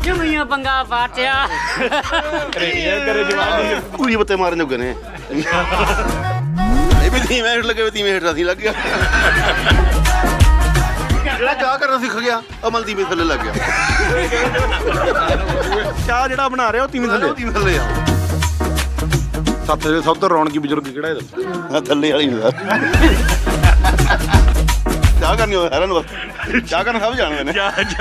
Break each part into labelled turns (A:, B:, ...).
A: ਜਮੀਆਂ ਪੰਗਾ ਪਾਟਿਆ
B: ਕਰੇ ਜਵਾਨੀ
C: ਪੂਰੀ ਬੱਤੇ ਮਾਰਨ ਜੋਗੇ ਨੇ ਇਹ ਵੀ ਧੀਵੇਂ ਹੇਠ ਲੱਗੇ ਧੀਵੇਂ ਹੇਠ ਅਸੀਂ ਲੱਗ ਗਿਆ ਜਿਹੜਾ ਚਾਹ ਕਰਨਾ ਸਿੱਖ ਗਿਆ ਅਮਲ ਦੀ ਥੱਲੇ ਲੱਗ ਗਿਆ
B: ਚਾਹ ਜਿਹੜਾ ਬਣਾ ਰਿਹਾ ਉਹ ਤੀਵੀਂ ਥੱਲੇ
C: ਧੀਵੇਂ ਥੱਲੇ ਆ
B: ਸੱਤ ਦੇ ਸਭ ਤੋਂ ਰੌਣਕੀ ਬਜ਼ੁਰਗ ਕਿਹੜਾ ਇਹਦਾ
C: ਥੱਲੇ ਵਾਲੀ ਨੂੰ ਚਾਹ ਕਰਨੀ ਹੋਵੇ ਹੈਰਾਨ ਬਸ ਚਾਹ ਕਰਨ ਸਭ ਜਾਣਦੇ ਨੇ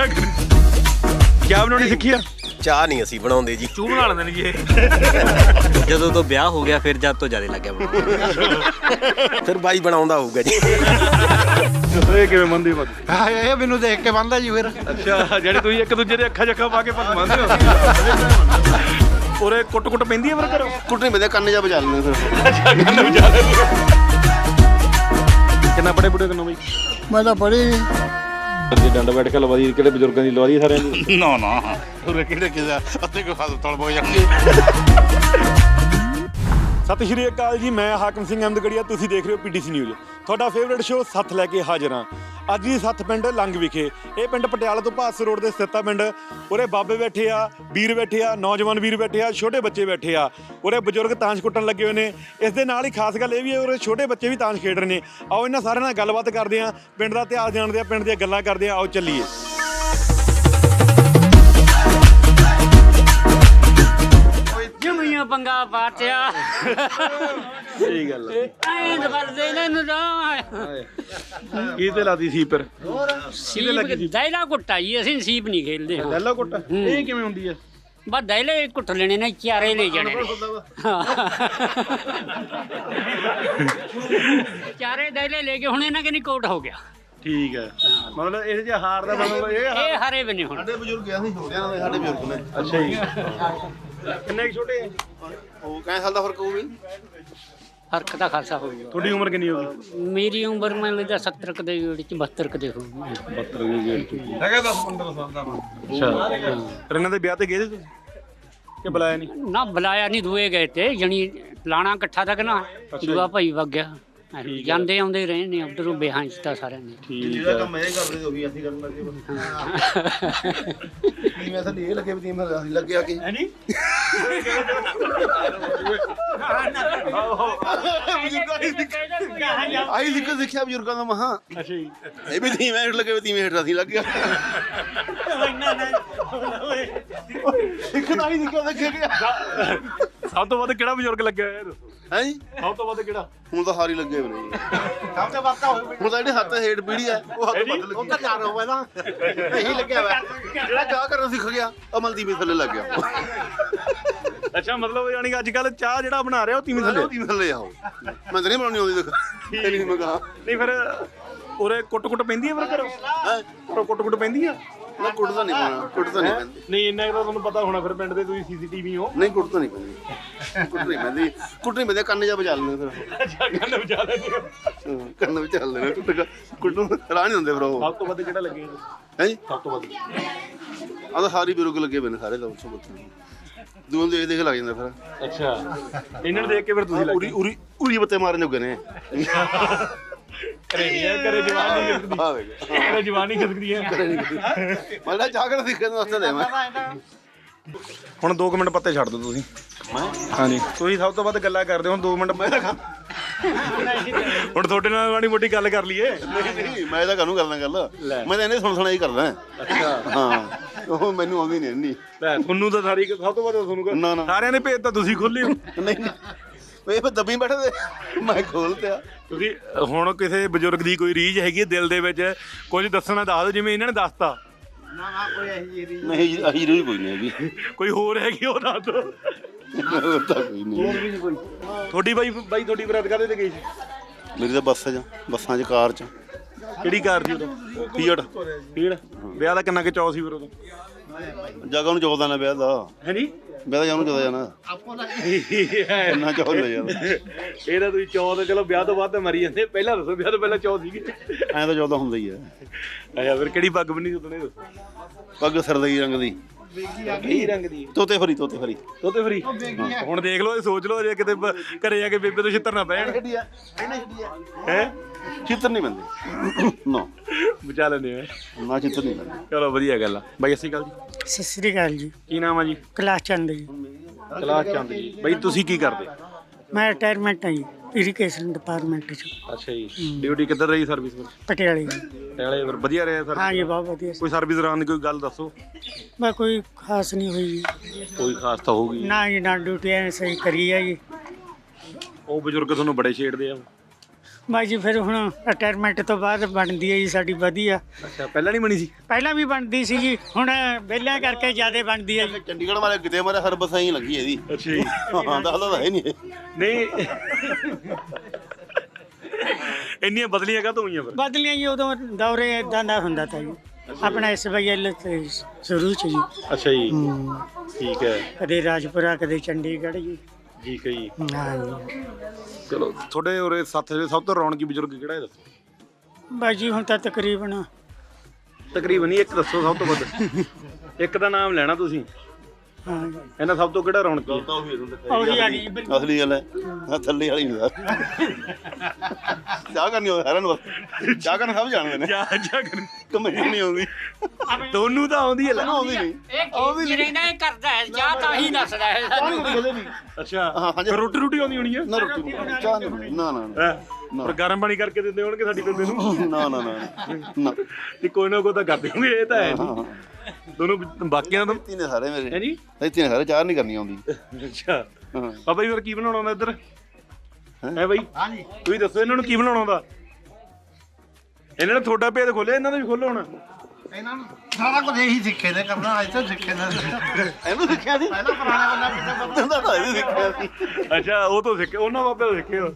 B: ਚਾਹ ਬਣਾਉਣੀ ਸਿੱਖੀ ਆ
D: ਚਾਹ ਨਹੀਂ ਅਸੀਂ ਬਣਾਉਂਦੇ ਜੀ
B: ਚੂਹ ਬਣਾ ਲੈਂਦੇ ਨੇ ਜੀ ਇਹ
D: ਜਦੋਂ ਤੋਂ ਵਿਆਹ ਹੋ ਗਿਆ ਫਿਰ ਜਦ ਤੋਂ ਜ਼ਿਆਦਾ ਲੱਗਿਆ ਬਣਾਉਣ ਫਿਰ ਬਾਈ ਬਣਾਉਂਦਾ ਹੋਊਗਾ ਜੀ
B: ਇਹ ਕਿਵੇਂ ਮੰਨਦੇ ਹੋ
E: ਇਹ ਮੈਨੂੰ ਦੇਖ ਕੇ ਬੰਦਾ ਜੀ ਫਿਰ
B: ਅੱਛਾ ਜਿਹੜੇ ਤੁਸੀਂ ਇੱਕ ਦੂਜੇ ਦੇ ਅੱਖਾਂ ਜੱਖਾਂ ਪਾ ਕੇ ਪੱਗ ਮੰਨਦੇ ਹੋ ਉਰੇ ਕੁੱਟ ਪੈਂਦੀ ਹੈ ਫਿਰ ਘਰੋਂ
C: ਕੁੱਟਣੀ ਪੈਂਦੇ ਕੰਨ ਜਾ ਬਜਾ ਲੈਂਦੇ
B: ਕਿੰਨਾ ਪੜੇ ਪੁੜੇ ਕਿੰਨਾ ਬਈ
E: ਮੈਂ ਤਾਂ ਪੜ੍ਹੀ ਨਹੀਂ
B: ਜੇ ਡੰਡ ਬੈਠ ਕੇ ਲਵਾ ਦੀ ਕਿਹੜੇ ਬਜ਼ੁਰਗਾਂ ਦੀ ਲਵਾ ਦੀ ਸਾਰਿਆਂ ਦੀ
C: ਨਾ ਨਾ ਉਰੇ ਕਿਹੜੇ ਕਿਹਦਾ ਅੱਤੇ ਕੋ ਹਸਪਤਾਲ ਬੋ ਜਾਣਗੇ
B: ਸਤਿ ਸ਼੍ਰੀ ਅਕਾਲ ਜੀ, ਮੈਂ ਹਾਕਮ ਸਿੰਘ ਅਹਿਮਦਗੜੀਆ, ਤੁਸੀਂ ਦੇਖ ਰਹੇ ਹੋ PTC ਨਿਊਜ਼। ਤੁਹਾਡਾ ਫੇਵਰੇਟ ਸ਼ੋਅ ਸੱਥ ਲੈ ਕੇ ਹਾਜ਼ਰ ਹਾਂ। ਅੱਜ ਦੀ ਸੱਥ ਪਿੰਡ ਲੰਗ ਵਿਖੇ। ਇਹ ਪਿੰਡ ਪਟਿਆਲਾ ਤੋਂ ਭਾਸ ਰੋਡ ਦੇ ਸਥਿਤ ਆ ਪਿੰਡ। ਉਰੇ ਬਾਬੇ ਬੈਠੇ ਆ, ਵੀਰ ਬੈਠੇ ਆ, ਨੌਜਵਾਨ ਵੀਰ ਬੈਠੇ ਆ, ਛੋਟੇ ਬੱਚੇ ਬੈਠੇ ਆ। ਉਰੇ ਬਜ਼ੁਰਗ ਤਾਂਸ਼ ਕੁੱਟਣ ਲੱਗੇ ਹੋਏ ਨੇ। ਇਸ ਦੇ ਨਾਲ ਹੀ ਖਾਸ ਗੱਲ ਇਹ ਵੀ ਹੈ ਉਰੇ ਛੋਟੇ ਬੱਚੇ ਵੀ ਤਾਂਸ਼ ਖੇਡ ਰਹੇ ਨੇ। ਆਓ ਇਹਨਾਂ ਸਾਰਿਆਂ ਨਾਲ ਗੱਲਬਾਤ ਕਰਦੇ ਹਾਂ, ਪਿੰਡ ਦਾ ਇਤਿਹਾਸ ਜਾਣਦੇ ਆ, ਪਿੰਡ ਦੀਆਂ ਗੱਲਾਂ ਕਰਦੇ ਆ। ਆਓ ਚੱਲੀਏ।
A: ਜਮੀਆਂ ਪੰਗਾ ਪਾਟਿਆ
B: ਸਹੀ ਗੱਲ ਹੈ।
A: ਐਂ ਦਬਲਦੇ ਨੇ ਨੂੰ
B: ਕੀ ਤੇ ਲਾਦੀ ਸੀ ਪਰ
A: ਸੀਪ ਦੈਲਾ ਕੁੱਟਾ ਜੀ, ਅਸੀਂ ਸੀਪ ਨਹੀਂ ਖੇਲਦੇ ਹਾਂ।
B: ਪਹਿਲਾ ਕੁੱਟ ਇਹ ਕਿਵੇਂ ਹੁੰਦੀ ਹੈ?
A: ਬਸ ਦੈਲੇ ਕੁੱਟ ਲੈਣੇ ਨੇ, ਚਾਰੇ ਲੈ ਜਾਣੇ ਨੇ। ਚਾਰੇ ਦੈਲੇ ਲੈ ਕੇ ਹੁਣ ਇਹਨਾਂ ਕਿ ਨਹੀਂ ਕੋਟ ਹੋ ਗਿਆ।
B: ਠੀਕ ਹੈ, ਮਤਲਬ ਇਹ ਜੇ ਹਾਰ ਦਾ ਮਤਲਬ
A: ਇਹ ਹਾਰੇ ਵੀ ਨਹੀਂ ਹੁਣ।
C: ਸਾਡੇ ਬਜ਼ੁਰਗ ਆ, ਅਸੀਂ ਛੋਟਿਆਂ ਨਾਲ ਸਾਡੇ ਬਜ਼ੁਰਗ ਨੇ।
B: ਅੱਛਾ ਜੀ। ਕਿੰਨੇ ਛੋਟੇ ਹੈ?
C: ਉਹ ਕਿੰਨੇ ਸਾਲ ਦਾ ਫਰਕ ਹੋਊ ਵੀ?
A: ਫਰਕ ਤਾਂ ਖਾਸਾ ਹੋ ਗਿਆ।
B: ਤੁਹਾਡੀ ਉਮਰ ਕਿੰਨੀ ਹੋ ਗਈ?
A: ਮੇਰੀ ਉਮਰ ਮੈਨੂੰ ਲੱਗਦਾ 70 ਕ ਦੇ ਵਿੱਚ 72 ਕ ਦੇ ਹੋਊਗੀ।
B: 72 ਦੀ ਗੇੜ ਹੈਗਾ 10-15 ਸਾਲ ਦਾ। ਅੱਛਾ, ਇਹਨਾਂ ਦੇ ਵਿਆਹ ਤੇ ਗਏ ਸੀ ਤੁਸੀਂ ਕਿ ਬੁਲਾਇਆ ਨਹੀਂ?
A: ਨਾ ਬੁਲਾਇਆ ਨਹੀਂ, ਦੂਏ ਗਏ ਤੇ ਜਣੀ ਲਾਣਾ ਇਕੱਠਾ ਤੱਕ ਨਾ ਦੂਆ ਭਾਈ ਵਗ ਗਿਆ। ਜਾਂਦੇ ਆਉਂਦੇ ਰਹੇ ਨੇ ਉਧਰੋਂ ਬਿਹਾਰ ਚ ਤਾਂ ਸਾਰਿਆਂ ਨੇ।
B: ਠੀਕ ਹੈ।
C: ਕੰਮ ਇਹ ਕਰਦੇ ਤੇ ਉਹੀ ਅਸੀਂ ਕਰਨ ਲੱਗੇ ਮੈਂ ਤਾਂ ਇਹ ਲੱਗੇ ਵੀ ਮੈਂ ਅਸੀਂ ਲੱਗਿਆ ਕਿ
B: ਹੈ ਨਹੀਂ
C: ਆਈ ਸਿੱਖਿਆ ਬਜ਼ੁਰਗਾਂ ਦਾ ਮਹਾ।
B: ਅੱਛਾ ਜੀ।
C: ਇਹ ਵੀ ਧੀਵੇਂ ਹੇਠ ਲੱਗੇ ਧੀਵੇਂ ਹੇਠ ਅਸੀਂ ਲੱਗ ਗਿਆ ਸਿੱਖਣਾ ਹੀ ਸਿੱਖਿਆ ਦੇਖਿਆ ਗਿਆ।
B: ਸਭ ਤੋਂ ਵੱਧ ਕਿਹੜਾ ਬਜ਼ੁਰਗ ਲੱਗਿਆ ਹੋਇਆ ਇਹ ਦੱਸੋ?
C: ਹੈ ਜੀ,
B: ਸਭ ਤੋਂ ਵੱਧ ਕਿਹੜਾ?
C: ਹੁਣ ਤਾਂ ਹਾਰੀ ਲੱਗੇ ਹੋਏ ਨੇ ਸਭ ਤੋਂ ਵੱਧ ਹੁਣ ਤਾਂ ਜਿਹੜੇ ਹੱਥ ਹੇਠ ਪੀੜੀ ਆ ਉਹ ਹੱਥ ਬਦਲ ਲੱਗੀ। ਉਹ ਤਾਂ ਚਾਰ ਹੋਵੇ ਨਾ ਇਹੀ ਲੱਗਿਆ ਹੋਇਆ ਜਿਹੜਾ ਚਾਹ ਕਰਨਾ ਸਿੱਖ ਗਿਆ ਅਮਲ ਦੀ ਥੱਲੇ ਲੱਗ ਗਿਆ।
B: ਅੱਛਾ, ਮਤਲਬ ਯਾਨੀ ਕਿ ਅੱਜ ਕੱਲ ਚਾਹ ਜਿਹੜਾ ਬਣਾ ਰਿਹਾ ਉਹ ਤੀਵੀਂ ਥੱਲੇ।
C: ਧੀਵੇਂ ਥੱਲੇ ਆਓ। ਮੈਂ ਤਾਂ ਨਹੀਂ ਬਣਾਉਣੀ ਆਉਂਦੀ ਦੇਖ ਇਹ ਨਹੀਂ ਮੈਂ ਕਹਾ
B: ਨਹੀਂ ਫਿਰ ਉਰੇ ਕੁੱਟ ਪੈਂਦੀ ਹੈ ਫਿਰ ਘਰੋਂ?
C: ਹੈ
B: ਘਰੋਂ ਕੁੱਟ ਪੈਂਦੀ ਆ?
C: ਨਾ ਕੁੱਟਦਾ ਨਹੀਂ ਪਾਉਣਾ, ਕੁੱਟਦਾ ਨਹੀਂ ਪੈਂਦੀ।
B: ਨਹੀਂ ਇੰਨਾ ਤਾਂ ਤੁਹਾਨੂੰ ਪਤਾ ਹੋਣਾ ਫਿਰ ਪਿੰਡ ਦੇ ਤੁਸੀਂ CCTV ਹੋ।
C: ਨਹੀਂ ਕੁੱਟਦਾ ਨਹੀਂ ਪੈਂਦੀ, ਕੁੱਟਣੀ ਪੈਂਦੀ ਕੰਨ ਜਾ ਬਜਾ ਲੈਂਦੇ ਫਿਰ।
B: ਅੱਛਾ, ਕੰਨ ਵਜਾ ਲੈਂਦੇ ਹੋ।
C: ਕੰਨ ਵਿੱਚ ਚੱਲ ਲੈਣਾ ਕੁੱਟਣ ਰਾਹ ਨਹੀਂ ਹੁੰਦੇ ਫਿਰ ਉਹ।
B: ਸਭ ਤੋਂ ਵੱਧ ਕਿਹੜਾ ਲੱਗਿਆ?
C: ਹੈ ਜੀ,
B: ਸਭ ਤੋਂ ਵੱਧ
C: ਆਹ ਤਾਂ ਸਾਰੀ ਬਜ਼ੁਰਗ ਲੱਗੇ ਪਏ ਨੇ ਸਾਰੇ ਲੋਕ ਸਭ ਦੂਆਂ ਦੇਖ ਦੇਖ ਲੱਗ ਜਾਂਦਾ ਫਿਰ।
B: ਅੱਛਾ, ਇਹਨਾਂ ਨੂੰ ਦੇਖ ਕੇ ਫਿਰ ਤੁਸੀਂ
C: ਉਰੀ ਉਰੀ ਉਰੀ ਬੱਤੇ ਮਾਰਨ ਜੋਗੇ ਨੇ।
B: ਕਰੇ ਜਵਾਨੀ ਖਿਸਕਦੀ।
C: ਆ ਵੇਖ
B: ਕਰੇ ਜਵਾਨੀ ਖਿਸਕਦੀ ਹੈ।
C: ਮੈਂ ਤਾਂ ਚਾਹ ਕਰ ਸਿੱਖਣ ਵਾਸਤੇ ਦੇ ਮੈਂ।
B: ਹੁਣ 2 ਮਿੰਟ ਪੱਤੇ ਛੱਡ ਦਿਓ ਤੁਸੀਂ। ਹਾਂਜੀ, ਤੁਸੀਂ ਸਭ ਤੋਂ ਵੱਧ ਗੱਲਾਂ ਕਰਦੇ ਹੋ। ਹੁਣ 2 ਮਿੰਟ ਮੈਂ ਹੁਣ ਤੁਹਾਡੇ ਨਾਲ ਮਾੜੀ ਮੋਟੀ ਗੱਲ ਕਰ ਲਈਏ।
C: ਨਹੀਂ ਮੈਂ ਤਾਂ ਕਾਹਨੂੰ ਕਰਦਾ ਗੱਲ, ਮੈਂ ਤਾਂ ਇਹਨੇ ਸੁਣ ਹੀ ਕਰਦਾ।
B: ਅੱਛਾ,
C: ਹਾਂ ਉਹ ਮੈਨੂੰ ਆਉਂਦੀ ਨਹੀਂ ਇੰਨੀ।
B: ਲੈ ਤੁਹਾਨੂੰ ਤਾਂ ਸਾਰੀ ਸਭ ਤੋਂ ਵੱਧ ਤੁਹਾਨੂੰ
C: ਨਾ ਨਾ
B: ਸਾਰਿਆਂ ਦੇ ਭੇਤ ਤਾਂ ਤੁਸੀਂ ਖੋਲੇ ਹੋ।
C: ਨਹੀਂ ਇਹ ਫਿਰ ਦੱਬੀ ਬੈਠੇ ਤੇ ਮੈਂ ਖੋਲ ਤਿਆ।
B: ਤੁਸੀਂ ਹੁਣ ਕਿਸੇ ਬਜ਼ੁਰਗ ਦੀ ਕੋਈ ਰੀਝ ਹੈਗੀ ਹੈ ਦਿਲ ਦੇ ਵਿੱਚ, ਕੁਝ ਦੱਸਣਾ ਦੱਸ ਦਿਓ ਜਿਵੇਂ ਇਹਨਾਂ ਨੇ ਦੱਸਤਾ।
C: ਨਹੀਂ ਅਹੀ ਰੋਈ ਕੋਈ ਨਹੀਂ ਹੈਗੀ।
B: ਕੋਈ ਹੋਰ ਹੈਗੀ ਉਹ ਦੱਸ ਦਿਓ।
C: ਹੋਰ ਤਾਂ ਕੋਈ ਨਹੀਂ।
B: ਤੁਹਾਡੀ ਬਾਈ ਤੁਹਾਡੀ ਬਰਾਤ ਕਾਹਦੇ ਤੇ ਗਈ ਸੀ?
C: ਮੇਰੀ ਤਾਂ ਬੱਸਾਂ 'ਚ ਕਾਰ 'ਚ।
B: ਕਿਹੜੀ ਕਾਰ ਸੀ ਉਦੋਂ?
C: ਫੀਅਟ।
B: ਵਿਆਹ ਦਾ ਕਿੰਨਾ ਕੁ ਚਾਅ ਸੀ ਫਿਰ ਉਦੋਂ?
C: ਜਗ੍ਹਾ ਨੂੰ 14 ਨੇ ਵਿਆਹ ਦਾ।
B: ਹੈ ਨਹੀਂ
C: ਵਿਆਹ ਦਾ ਜਾਨੂੰ 14 ਜਾਣਾ ਇੰਨਾ ਚਾਹ ਲੈ ਜਾਂਦਾ।
B: ਇਹਦਾ ਤੁਸੀਂ ਚਾਅ ਤਾਂ ਚਲੋ ਵਿਆਹ ਤੋਂ ਬਾਅਦ ਤਾਂ ਮਰੀ ਜਾਂਦੇ, ਪਹਿਲਾਂ ਦੱਸੋ ਵਿਆਹ ਤੋਂ ਪਹਿਲਾਂ ਚਾਅ ਸੀਗੇ?
C: ਐਂ ਤਾਂ 14 ਹੁੰਦਾ ਹੀ ਆ।
B: ਅੱਛਾ, ਫਿਰ ਕਿਹੜੀ ਪੱਗ ਬੰਨੀ ਸੀ ਉਦੋਂ ਇਹ ਦੱਸੋ?
C: ਪੱਗ ਸਰਦਈ ਰੰਗ ਦੀ।
B: ਕੀ ਰੰਗ ਦੀ
C: ਤੋਤੇ ਫਰੀ ਤੋਤੇ ਫਰੀ
B: ਤੋਤੇ ਫਰੀ ਹੁਣ ਦੇਖ ਲਓ ਇਹ ਸੋਚ ਲਓ ਜੇ ਕਿਤੇ ਘਰੇ ਜਾ ਕੇ ਬੇਬੇ ਤੋਂ ਛਿੱਤਰ ਨਾ ਪੈਣ ਹੈ
C: ਚਿੱਤਰ ਨਹੀਂ ਬੰਦੇ ਨਾ
B: ਬਚਾ ਲੈਂਦੇ ਆ
C: ਨਾ ਚਿੱਤਰ ਨਹੀਂ ਬੰਦੇ
B: ਚਲੋ ਵਧੀਆ ਗੱਲ ਆ ਬਾਈ ਸਤਿ ਸ਼੍ਰੀ ਅਕਾਲ ਜੀ
E: ਸਤਿ ਸ੍ਰੀ ਅਕਾਲ ਜੀ।
B: ਕੀ ਨਾਮ ਆ ਜੀ
E: ਕਲਾਸ ਚੰਦ ਜੀ।
B: ਕਲਾਸ ਚੰਦ ਜੀ ਬਾਈ ਤੁਸੀਂ ਕੀ ਕਰਦੇ
E: ਮੈਂ ਰਿਟਾਇਰਮੈਂਟ ਹਾਂ ਜੀ ਇਰੀਗੇਸ਼ਨ ਡਿਪਾਰਟਮੈਂਟ ਚ
B: ਅੱਛਾ ਜੀ ਡਿਊਟੀ ਕਿੱਧਰ ਰਹੀ ਸਰਵਿਸ ਵਿੱਚ
E: ਪਟਿਆਲੇ ਜੀ।
B: ਟੈਲੇ ਫਿਰ ਵਧੀਆ ਰਿਹਾ ਸਰ
E: ਹਾਂ ਜੀ ਬਹੁਤ ਵਧੀਆ ਸੀ।
B: ਕੋਈ ਸਰਵਿਸ ਦੌਰਾਨ ਦੀ ਕੋਈ ਗੱਲ ਦੱਸੋ
E: ਮੈਂ ਕੋਈ ਖਾਸ ਨਹੀਂ ਹੋਈ ਜੀ।
B: ਕੋਈ ਖਾਸ ਤਾਂ ਹੋਊਗੀ
E: ਨਾ ਜੀ ਨਾ ਡਿਊਟੀ ਐ ਸਹੀ ਕਰੀ ਹੈ ਜੀ।
B: ਉਹ ਬਜ਼ੁਰਗ ਤੁਹਾਨੂੰ ਬੜੇ ਛੇੜਦੇ ਆ
E: ਮੈਂ ਜੀ ਫਿਰ ਹੁਣ ਰਿਟਾਇਰਮੈਂਟ ਤੋਂ ਬਾਅਦ ਬਣਦੀ ਹੈ ਜੀ ਸਾਡੀ ਵਧੀਆ।
B: ਅੱਛਾ ਪਹਿਲਾਂ ਨਹੀਂ ਬਣੀ ਸੀ
E: ਪਹਿਲਾਂ ਵੀ ਬਣਦੀ ਸੀ ਜੀ ਹੁਣ ਵਿਹਲਿਆਂ ਕਰਕੇ ਜ਼ਿਆਦਾ ਬਣਦੀ ਹੈ ਜੀ।
C: ਚੰਡੀਗੜ੍ਹ ਵਾਲੇ ਕਿਤੇ ਮਾਰੇ ਹਰ ਬਸਾਂ ਹੀ ਲੱਗੀ ਇਹਦੀ
B: ਅੱਛਾ ਜੀ
C: ਹਾਂ ਦੱਸਦਾ ਤਾਂ ਹੈ ਨਹੀਂ
B: ਨਹੀਂ ਇੰਨੀਆਂ ਬਦਲੀਆਂ ਕਾਹਤੋਂ ਹੋਈਆਂ ਫਿਰ
E: ਬਦਲੀਆਂ ਜੀ ਉਦੋਂ ਦੌਰੇ ਇਦਾਂ ਦਾ ਹੁੰਦਾ ਤਾ ਜੀ ਆਪਣਾ SYL ਤੇ ਸ਼ੁਰੂ ਚ ਜੀ।
B: ਅੱਛਾ ਜੀ ਠੀਕ ਹੈ
E: ਕਦੇ ਰਾਜਪੁਰਾ ਕਦੇ ਚੰਡੀਗੜ੍ਹ ਜੀ।
B: ਠੀਕ ਹੈ ਜੀ
E: ਹਾਂ ਜੀ
B: ਚਲੋ ਤੁਹਾਡੇ ਉਰੇ ਸੱਥ ਦੇ ਸਭ ਤੋਂ ਰੌਣਕੀ ਬਜ਼ੁਰਗ ਕਿਹੜਾ ਹੈ ਦੱਸੋ
E: ਬਸ ਜੀ ਹੁਣ ਤਾਂ ਤਕਰੀਬਨ
B: ਤਕਰੀਬਨ ਹੀ ਇੱਕ ਦੱਸੋ ਸਭ ਤੋਂ ਵੱਧ ਇੱਕ ਦਾ ਨਾਮ ਲੈਣਾ ਤੁਸੀਂ
E: ਹਾਂ ਜੀ
B: ਇਹਨਾਂ ਸਭ ਤੋਂ ਕਿਹੜਾ ਰੌਣਕੀ ਹੈ?
E: ਉਹੀ ਆ ਜੀ
C: ਅਸਲੀ ਗੱਲ ਹੈ ਆਹ ਥੱਲੇ ਵਾਲੀ ਨਹੀਂ ਚਾਹ ਕਰਨੀ ਹੋਵੇ ਹੈਰਾਨ ਬਸ ਚਾਹ ਕਰਨ ਸਭ ਜਾਣਦੇ ਨੇ
B: ਜਾ ਜਾ ਕਰ
C: ਕਮੇਟੀ ਨਹੀਂ ਆਉਂਦੀ
B: ਤੁਹਾਨੂੰ ਤਾਂ ਆਉਂਦੀ ਹੈ ਲੈ
C: ਆਉਂਦੀ ਨਹੀਂ
A: ਇਹ ਜਿਹੜਾ ਇਹ ਕਰਦਾ ਹੈ ਜਾਂ ਤਾਂ ਹੀ ਦੱਸਦਾ ਹੈ ਸਾਨੂੰ
B: ਅੱਛਾ
C: ਹਾਂ, ਹਾਂਜੀ।
B: ਫਿਰ ਰੋਟੀ ਰੋਟੀ ਆਉਂਦੀ ਹੋਣੀ ਹੈ
C: ਨਾ ਰੋਟੀ ਚਾਹ ਨਹੀਂ ਨਾ ਨਾ ਨਾ
B: ਹੈਂ? ਪਰ ਗਰਮ ਪਾਣੀ ਕਰਕੇ ਦਿੰਦੇ ਹੋਣਗੇ ਸਾਡੀ ਬੇਬੇ ਨੂੰ
C: ਨਾ ਨਾ ਨਾ ਨਾ
B: ਤੇ ਕੋਈ ਨਾ ਕੋਈ ਤਾਂ ਕਰਦੇ ਹੋਣਗੇ ਇਹ ਤਾਂ ਹੈ ਨਹੀਂ ਦੋਨੋਂ ਬਾਕੀਆਂ ਤੋਂ
C: ਇੱਥੇ ਨੇ ਸਾਰੇ ਮੇਰੇ
B: ਹੈ ਜੀ
C: ਇੱਥੇ ਨੇ ਸਾਰੇ ਚਾਹ ਨਹੀਂ ਕਰਨੀ ਆਉਂਦੀ
B: ਅੱਛਾ
C: ਹਾਂ
B: ਬਾਬਾ ਜੀ ਫਿਰ ਕੀ ਬਣਾਉਣਾ ਹੁੰਦਾ ਇੱਧਰ ਹੈ ਬਾਈ ਹਾਂਜੀ ਤੁਸੀਂ ਦੱਸੋ ਇਹਨਾਂ ਨੂੰ ਕੀ ਬਣਾਉਣਾ ਹੁੰਦਾ ਇਹਨਾਂ ਨੇ ਤੁਹਾਡਾ ਭੇਦ ਖੋਲਿਆ ਇਹਨਾਂ ਦਾ ਵੀ ਖੋਲੋ ਹੁਣ
E: ਇਹਨਾਂ ਨੂੰ ਸਾਰਾ ਕੁਝ ਇਹੀ ਸਿੱਖੇ ਨੇ ਕਰਨਾ ਅੱਜ ਤੱਕ ਸਿੱਖੇ ਨੇ
C: ਇਹਨੂੰ ਸਿੱਖਿਆ ਸੀ
E: ਪਹਿਲਾਂ ਪੁਰਾਣਾ ਬੰਦਾ
C: ਤਾਂ ਇਹਨੂੰ ਸਿੱਖਿਆ ਸੀ
B: ਅੱਛਾ ਉਹ ਤੋਂ ਸਿੱਖੇ ਉਹਨਾਂ ਬਾਬੇ ਤੋਂ ਸਿੱਖੇ ਹੋ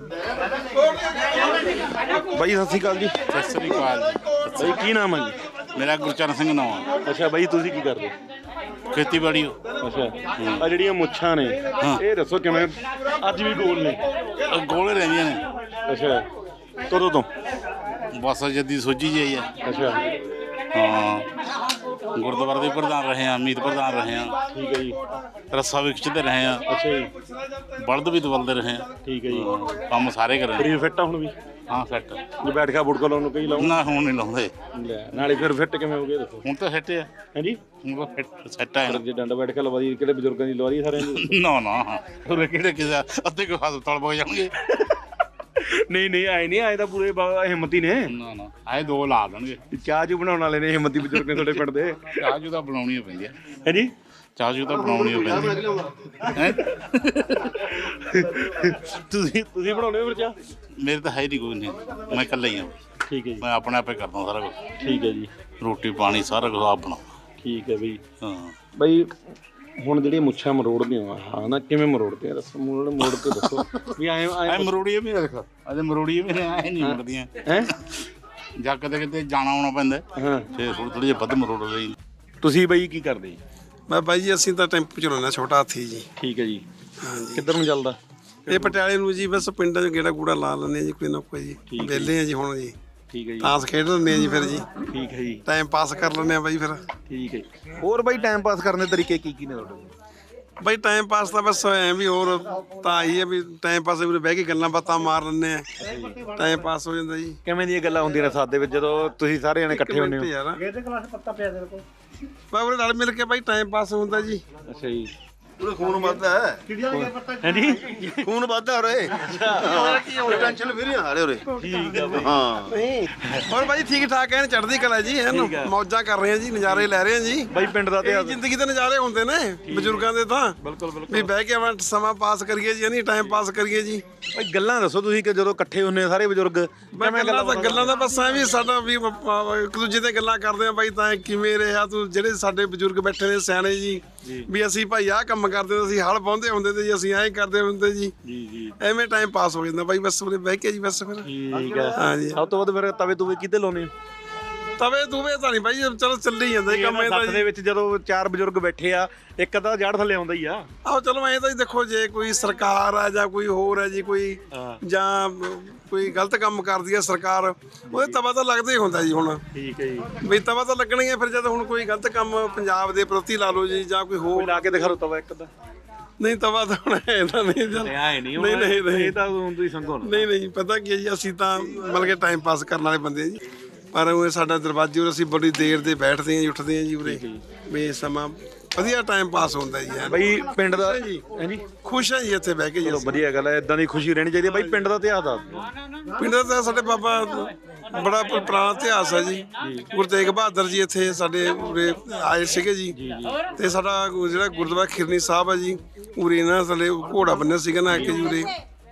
B: ਬਾਈ ਸਤਿ ਸ਼੍ਰੀ ਅਕਾਲ ਜੀ
F: ਸਤਿ ਸ੍ਰੀ ਅਕਾਲ ਜੀ।
B: ਬਾਈ ਕੀ ਨਾਮ ਹੈ ਜੀ
F: ਮੇਰਾ ਗੁਰਚਰਨ ਸਿੰਘ ਨਾਮ ਆ।
B: ਅੱਛਾ ਬਾਈ ਤੁਸੀਂ ਕੀ ਕਰਦੇ
F: ਖੇਤੀਬਾੜੀ
B: ਅੱਛਾ ਆ ਜਿਹੜੀਆਂ ਮੁੱਛਾਂ ਨੇ ਇਹ ਦੱਸੋ ਕਿਵੇਂ ਅੱਜ ਵੀ ਗੋਲ ਨੇ
F: ਗੋਲੇ ਰਹਿੰਦੀਆਂ ਨੇ।
B: ਅੱਛਾ ਕਦੋਂ ਤੋਂ
F: ਬਸ ਜੱਦੀ ਸੋਝੀ ਜਿਹੀ ਆ।
B: ਅੱਛਾ
F: ਹਾਂ ਗੁਰਦੁਆਰੇ ਦੇ ਪ੍ਰਧਾਨ ਰਹੇ ਆ ਮੀਤ ਪ੍ਰਧਾਨ ਰਹੇ ਆ
B: ਠੀਕ ਹੈ ਜੀ
F: ਰੱਸਾ ਵੀ ਖਿੱਚਦੇ ਰਹੇ ਆ
B: ਅੱਛਾ ਜੀ
F: ਬਲਦ ਵੀ ਦਵਲਦੇ ਰਹੇ ਆ
B: ਠੀਕ ਹੈ ਜੀ
F: ਕੰਮ ਸਾਰੇ ਕਰੇ
B: ਸਰੀਰ ਫਿੱਟ ਆ ਹੁਣ ਵੀ
F: ਹਾਂ ਸੈੱਟ
B: ਜੇ ਬੈਠ ਕੇ ਬੁੜਕਾ ਲਾਉਣ ਨੂੰ ਕਈ ਲਾਉਂ
F: ਨਾ ਹੁਣ ਨਹੀਂ ਲਾਉਂਦੇ
B: ਨਾਲੇ ਫਿਰ ਫਿੱਟ ਕਿਵੇਂ ਹੋ ਗਏ ਦੱਸੋ
F: ਹੁਣ ਤਾਂ ਸੈੱਟ ਆ
B: ਹਾਂਜੀ
F: ਹੁਣ ਤਾਂ ਫਿੱਟ ਸੈੱਟ ਆ
B: ਜੇ ਡੰਡਾ ਬੈਠ ਕੇ ਲਵਾ ਦੀ ਕਿਹੜੇ ਬਜ਼ੁਰਗਾਂ ਦੀ ਲਵਾ ਦੀ ਸਾਰਿਆਂ ਦੀ
F: ਨਾ ਨਾ ਉਹ ਕਿਹੜੇ ਕਿਸੇ ਅੱਧੇ ਕੋ ਹਸਪਤਾਲ ਪਹੁੰਚ ਜਾਣਗੇ
B: ਨਹੀਂ ਨਹੀਂ ਆਏ ਨਹੀਂ ਆਏ ਤਾਂ ਪੂਰੇ ਹਿੰਮਤੀ ਨੇ
F: ਨਾ ਨਾ ਆਏ ਦੋ ਲਾ ਦੇਣਗੇ
B: ਚਾਹ ਚੂ ਬਣਾਉਣ ਵਾਲੇ ਨੇ ਹਿੰਮਤੀ ਬਜ਼ੁਰਗ ਨੇ ਤੁਹਾਡੇ ਪਿੰਡ ਦੇ
F: ਚਾਹ ਜੂ ਤਾਂ ਬਣਾਉਣੀ ਪੈਂਦੀ ਆ
B: ਹਾਂਜੀ
F: ਚਾਹ ਜੂ ਤਾਂ ਬਣਾਉਣੀ ਪੈਂਦੀ ਹੈ
B: ਤੁਸੀਂ ਬਣਾਉਣੇ ਹੋ ਫਿਰ ਚਾਹ
F: ਮੇਰੇ ਤਾਂ ਹੈ ਨਹੀਂ ਕੋਈ ਨਹੀਂ ਮੈਂ ਇਕੱਲਾ ਹੀ ਹਾਂ
B: ਠੀਕ ਹੈ ਜੀ
F: ਮੈਂ ਆਪਣੇ ਆਪੇ ਕਰਦਾ ਸਾਰਾ ਕੁਝ
B: ਠੀਕ ਹੈ ਜੀ
F: ਰੋਟੀ ਪਾਣੀ ਸਾਰਾ ਕੁਝ ਆਪ ਬਣਾਉਂਦਾ
B: ਠੀਕ ਹੈ ਬਈ
F: ਹਾਂ
B: ਬਈ ਹੁਣ ਜਿਹੜੀਆਂ ਮੁੱਛਾਂ ਮਰੋੜਦੇ ਆ ਹਾਂ ਨਾ ਕਿਵੇਂ ਮਰੋੜਦੇ ਆ ਦੱਸੋ ਮੋੜ ਕੇ ਦੱਸੋ ਵੀ ਆਏ
F: ਐ ਮਰੋੜੀਏ ਵੀ ਰੱਖ ਅਜੇ ਮਰੋੜੀਏ ਵੀ ਐ ਨਹੀਂ ਮੁੜਦੀਆਂ
B: ਹੈ
F: ਜਾਂ ਕਦੇ ਕਿਤੇ ਜਾਣਾ ਆਉਣਾ ਪੈਂਦਾ
B: ਹਾਂ
F: ਫੇਰ ਥੋੜੀ ਜਿਹੀ ਵੱਧ ਮਰੋੜ ਲਈ
B: ਤੁਸੀਂ ਬਈ ਕੀ ਕਰਦੇ ਜੀ
G: ਮੈਂ ਬਾਈ ਜੀ ਅਸੀਂ ਤਾਂ ਟੈਂਪੂ ਚਲਾਉਂਦੇ ਛੋਟਾ ਹਾਥੀ ਜੀ।
B: ਠੀਕ ਹੈ ਜੀ
G: ਹਾਂਜੀ
B: ਕਿੱਧਰ ਨੂੰ ਚੱਲਦਾ
G: ਇਹ ਪਟਿਆਲੇ ਨੂੰ ਜੀ ਬਸ ਪਿੰਡਾਂ 'ਚ ਗੇੜਾ ਗੂੜਾ ਲਾ ਲੈਂਦੇ ਜੀ ਕੋਈ ਨਾ ਕੋਈ ਜੀ ਵਿਹਲੇ ਆ ਜੀ ਹੁਣ ਜੀ
B: ਠੀਕ ਹੈ ਜੀ
G: ਤਾਸ਼ ਖੇਡ ਲੈਂਦੇ ਆ ਜੀ ਫਿਰ ਜੀ
B: ਠੀਕ ਹੈ ਜੀ
G: ਟਾਈਮ ਪਾਸ ਕਰ ਲੈਂਦੇ ਆ ਬਾਈ ਫਿਰ
B: ਠੀਕ ਹੈ ਹੋਰ ਬਈ ਟਾਈਮ ਪਾਸ ਕਰਨ ਦੇ ਤਰੀਕੇ ਕੀ ਨੇ ਤੁਹਾਡੇ
G: ਬਾਈ ਟਾਈਮ ਪਾਸ ਤਾਂ ਬਸ ਐ ਵੀ ਹੋਰ ਤਾਂ ਆਈ ਹੈ ਵੀ ਟਾਈਮ ਪਾਸ ਵੀ ਬਹਿ ਕੇ ਗੱਲਾਂ ਬਾਤਾਂ ਮਾਰ ਲੈਂਦੇ ਆ ਟਾਈਮ ਪਾਸ ਹੋ ਜਾਂਦਾ ਜੀ।
B: ਕਿਵੇਂ ਦੀਆਂ ਗੱਲਾਂ ਹੁੰਦੀਆਂ ਨੇ ਸਾਥ ਦੇ ਵਿੱਚ ਜਦੋਂ ਤੁਸੀਂ ਸਾਰੇ ਜਣੇ ਇਕੱਠੇ ਹੁੰਦੇ ਹੋ
G: ਯਾਰ ਬਾਬਰੇ ਨਾਲ ਮਿਲ ਕੇ ਬਾਈ ਟਾਈਮ ਪਾਸ ਹੁੰਦਾ ਜੀ।
B: ਅੱਛਾ ਜੀ
C: ਉਹਦਾ ਖੂਨ ਵੱਧਦਾ ਹੈ
B: ਹਾਂਜੀ
C: ਖੂਨ ਵੱਧਦਾ ਉਰੇ ਟੈਨਸ਼ਨ ਵੀ ਨਹੀਂ ਆ ਰਹੇ ਉਰੇ
B: ਠੀਕ ਹੈ ਬਈ
C: ਹਾਂ
G: ਹੋਰ ਬਾਈ ਠੀਕ ਠਾਕ ਐਨ ਚੜ੍ਹਦੀ ਕਲਾ ਜੀ ਐਨ ਮੌਜਾਂ ਕਰ ਰਹੇ ਆ ਜੀ ਨਜ਼ਾਰੇ ਲੈ ਰਹੇ ਆ ਜੀ।
B: ਬਈ ਪਿੰਡ ਦਾ
G: ਇਹ
B: ਇਤਿਹਾਸ
G: ਜ਼ਿੰਦਗੀ ਦੇ ਨਜ਼ਾਰੇ ਹੁੰਦੇ ਨੇ ਬਜ਼ੁਰਗਾਂ ਦੇ ਤਾਂ
B: ਬਿਲਕੁਲ ਬਿਲਕੁਲ
G: ਵੀ ਬਹਿ ਕੇ ਆਪਾਂ ਸਮਾਂ ਪਾਸ ਕਰੀਏ ਜੀ ਨਹੀਂ ਟਾਈਮ ਪਾਸ ਕਰੀਏ ਜੀ।
B: ਬਈ ਗੱਲਾਂ ਦੱਸੋ ਤੁਸੀਂ ਕਿ ਜਦੋਂ ਇਕੱਠੇ ਹੁੰਦੇ ਆ ਸਾਰੇ ਬਜ਼ੁਰਗ
G: ਮੈਂ ਗੱਲਾਂ ਦਾ ਬਸ ਐ ਵੀ ਸਾਡਾ ਵੀ ਇੱਕ ਦੂਜੇ ਤੇ ਗੱਲਾਂ ਕਰਦੇ ਆ ਬਾਈ ਤਾਂ ਕਿਵੇਂ ਰਿਹਾ ਤੂੰ ਜਿਹੜੇ ਸਾਡੇ ਬਜ਼ੁਰਗ ਬੈਠੇ ਨੇ ਸਿਆਣੇ ਜੀ ਵੀ ਅਸੀਂ ਭਾਈ ਆਹ ਕੰਮ ਕਰਦੇ ਹੁੰਦੇ ਸੀ ਹਲ ਪਾਉਂਦੇ ਹੁੰਦੇ ਤੇ ਜੀ ਅਸੀਂ ਐਂ ਕਰਦੇ ਹੁੰਦੇ ਜੀ
B: ਜੀ
G: ਐਵੇਂ ਟਾਈਮ ਪਾਸ ਹੋ ਜਾਂਦਾ ਬਾਈ ਬਸ ਉਰੇ ਬਹਿ ਕੇ ਜੀ ਬਸ ਫਿਰ
B: ਠੀਕ ਹੈ
G: ਹਾਂ ਜੀ।
B: ਸਭ ਤੋਂ ਵੱਧ ਫਿਰ ਤਵੇ ਤੁਵੇ ਕਿੱਥੇ ਲਾਉਨੇ
G: ਤਵੇ ਤੂਵੇ ਤਾਂ ਨਹੀਂ ਬਾਈ, ਚਲੋ ਚੱਲੀ ਜਾਂਦਾ ਜੀ ਕੰਮ ਇਹ ਤਾਂ
B: ਸੱਥ ਦੇ ਵਿੱਚ ਜਦੋਂ 4 ਬਜ਼ੁਰਗ ਬੈਠੇ ਆ, ਇੱਕ ਅੱਧਾ ਜੜ ਥੱਲੇ ਆਉਂਦਾ ਹੀ ਆ।
G: ਆਹੋ ਚਲੋ ਐਂ ਤਾਂ ਜੀ ਦੇਖੋ, ਜੇ ਕੋਈ ਸਰਕਾਰ ਆ ਜਾਂ ਕੋਈ ਹੋਰ ਹੈ ਜੀ, ਕੋਈ ਜਾਂ ਕੋਈ ਗਲਤ ਕੰਮ ਕਰਦੀ ਹੈ ਸਰਕਾਰ, ਉਹਦੇ ਤਵਾ ਤਾਂ ਲੱਗਦਾ ਹੀ ਹੁੰਦਾ ਜੀ। ਹੁਣ
B: ਠੀਕ ਹੈ ਜੀ,
G: ਵੀ ਤਵਾ ਤਾਂ ਲੱਗਣਾ ਹੀ ਹੈ ਫਿਰ, ਜਦ ਹੁਣ ਕੋਈ ਗਲਤ ਕੰਮ ਪੰਜਾਬ ਦੇ ਪ੍ਰਤੀ ਲਾ ਲਓ ਜੀ, ਜਾਂ ਕੋਈ ਹੋਰ।
B: ਲਾ ਕੇ ਦਿਖਾ ਰੋ ਤਵਾ ਇੱਕ ਅੱਧਾ।
G: ਨਹੀਂ ਤਵਾ ਤਾਂ ਹੁਣ ਇਹਦਾ ਨਹੀਂ
B: ਇਹ ਤਾਂ ਹੁਣ ਤੁਸੀਂ ਸੰਗੋ ਨਾ।
G: ਨਹੀਂ ਪਤਾ ਕੀ ਹੈ ਜੀ, ਅਸੀਂ ਤਾਂ ਮਤਲਬ ਕਿ ਟਾਈਮ ਪਾਸ ਕਰਨ ਵਾਲੇ ਬੰਦੇ ਆ ਜੀ, ਪਰ ਉਹ ਸਾਡਾ ਦਰਵਾਜ਼ੇ ਉਰੇ ਅਸੀਂ ਬੜੀ ਦੇਰ ਦੇ ਬੈਠਦੇ ਹਾਂ ਜੀ, ਉੱਠਦੇ ਹਾਂ ਜੀ ਉਰੇ, ਵੀ ਸਮਾਂ ਵਧੀਆ ਟਾਈਮ ਪਾਸ ਹੁੰਦਾ ਜੀ।
B: ਬਈ ਪਿੰਡ ਦਾ ਜੀ
G: ਖੁਸ਼ ਹਾਂ ਜੀ ਇੱਥੇ ਬਹਿ ਕੇ ਜੀ।
B: ਚਲੋ ਵਧੀਆ ਗੱਲ ਹੈ, ਇਦਾਂ ਦੀ ਖੁਸ਼ੀ ਰਹਿਣੀ ਚਾਹੀਦੀ ਹੈ। ਬਈ ਪਿੰਡ ਦਾ ਇਤਿਹਾਸ ਦੱਸ ਦਿਓ।
G: ਪਿੰਡ ਦਾ ਤਾਂ ਸਾਡੇ ਬਾਬਾ ਬੜਾ ਪੁਰਾਣਾ ਇਤਿਹਾਸ ਹੈ ਜੀ। ਗੁਰੂ ਤੇਗ ਬਹਾਦਰ ਜੀ ਇੱਥੇ ਸਾਡੇ ਉਰੇ ਆਏ ਸੀਗੇ ਜੀ, ਤੇ ਸਾਡਾ ਜਿਹੜਾ ਗੁਰਦੁਆਰਾ ਖਿਰਨੀ ਸਾਹਿਬ ਹੈ ਜੀ, ਉਰੇ ਨਾ ਥੱਲੇ ਘੋੜਾ ਬੰਨਿਆ ਸੀਗਾ ਨਾ ਆ ਕੇ ਜੀ ਉਰੇ,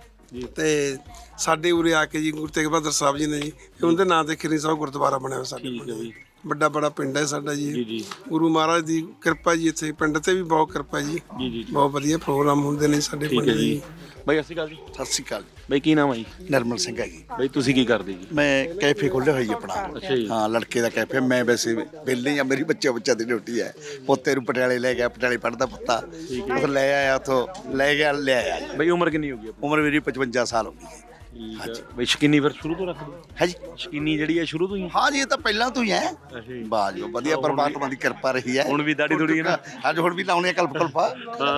G: ਤੇ ਸਾਡੇ ਉਰੇ ਆ ਕੇ ਜੀ ਗੁਰੂ ਤੇਗ ਬਹਾਦਰ ਸਾਹਿਬ ਜੀ ਨੇ ਜੀ, ਉਹਦੇ ਨਾਂ ਤੇ ਖਿਰਨੀ ਸਾਹਿਬ ਗੁਰਦੁਆਰਾ ਬਣਿਆ ਹੋਇਆ ਸਾਡੇ। ਵੱਡਾ ਬੜਾ ਪਿੰਡ ਹੈ ਸਾਡਾ ਜੀ, ਗੁਰੂ ਮਹਾਰਾਜ ਦੀ ਕਿਰਪਾ ਜੀ, ਇੱਥੇ ਪਿੰਡ ਤੇ ਵੀ ਬਹੁਤ ਕਿਰਪਾ ਜੀ, ਬਹੁਤ ਵਧੀਆ ਪ੍ਰੋਗਰਾਮ ਹੁੰਦੇ ਨੇ ਸਾਡੇ ਪਿੰਡ ਜੀ।
B: ਬਈ ਸਤਿ ਸ਼੍ਰੀ ਅਕਾਲ ਜੀ।
H: ਸਤਿ ਸ਼੍ਰੀ ਅਕਾਲ
B: ਬਈ ਕੀ ਨਾਮ ਹੈ ਜੀ?
H: ਨਰਮਲ ਸਿੰਘ ਹੈ ਜੀ।
B: ਬਈ ਤੁਸੀਂ ਕੀ ਕਰਦੇ ਜੀ?
H: ਮੈਂ ਕੈਫੇ ਖੋਲ੍ਹਿਆ ਹੋਈ ਆਪਣਾ। ਹਾਂ, ਲੜਕੇ ਦਾ ਕੈਫੇ। ਮੈਂ ਵੈਸੇ ਵਿਹਲੇ ਹੀ ਆ, ਮੇਰੀ ਬੱਚਾ ਦੀ ਡਿਊਟੀ ਹੈ। ਪੋਤੇ ਨੂੰ ਪਟਿਆਲੇ ਲੈ ਗਿਆ, ਪਟਿਆਲੇ ਪੜ੍ਹਦਾ ਪੁੱਤਾ, ਉਹ ਲੈ ਆਇਆ ਉੱਥੋਂ, ਲੈ ਆਇਆ ਜੀ।
B: ਬਈ ਉਮਰ ਕਿੰਨੀ ਹੋ ਗਈ?
H: ਉਮਰ ਮੇਰੀ 55 ਸਾਲ ਹੋ ਗਈ ਹੈ।
B: ਹਾਂਜੀ। ਬਈ ਸ਼ਕੀਨੀ ਫਿਰ ਸ਼ੁਰੂ ਤੋਂ ਰੱਖਦੇ
H: ਹੈ ਜੀ?
B: ਸ਼ਕੀਨੀ ਜਿਹੜੀ ਹੈ ਸ਼ੁਰੂ ਤੋਂ ਹੀ?
H: ਹਾਂ ਜੀ, ਇਹ ਤਾਂ ਪਹਿਲਾਂ ਤੋਂ ਹੀ ਹੈ। ਵਾਹ ਜੀ, ਵਧੀਆ, ਪਰਮਾਤਮਾ ਦੀ ਕਿਰਪਾ ਰਹੀ ਹੈ।
B: ਹੁਣ ਵੀ ਦਾੜੀ ਥੋੜੀ ਹੈ ਨਾ?
H: ਅੱਜ ਹੁਣ ਵੀ ਲਾਉਣੇ ਕਲਪਾ।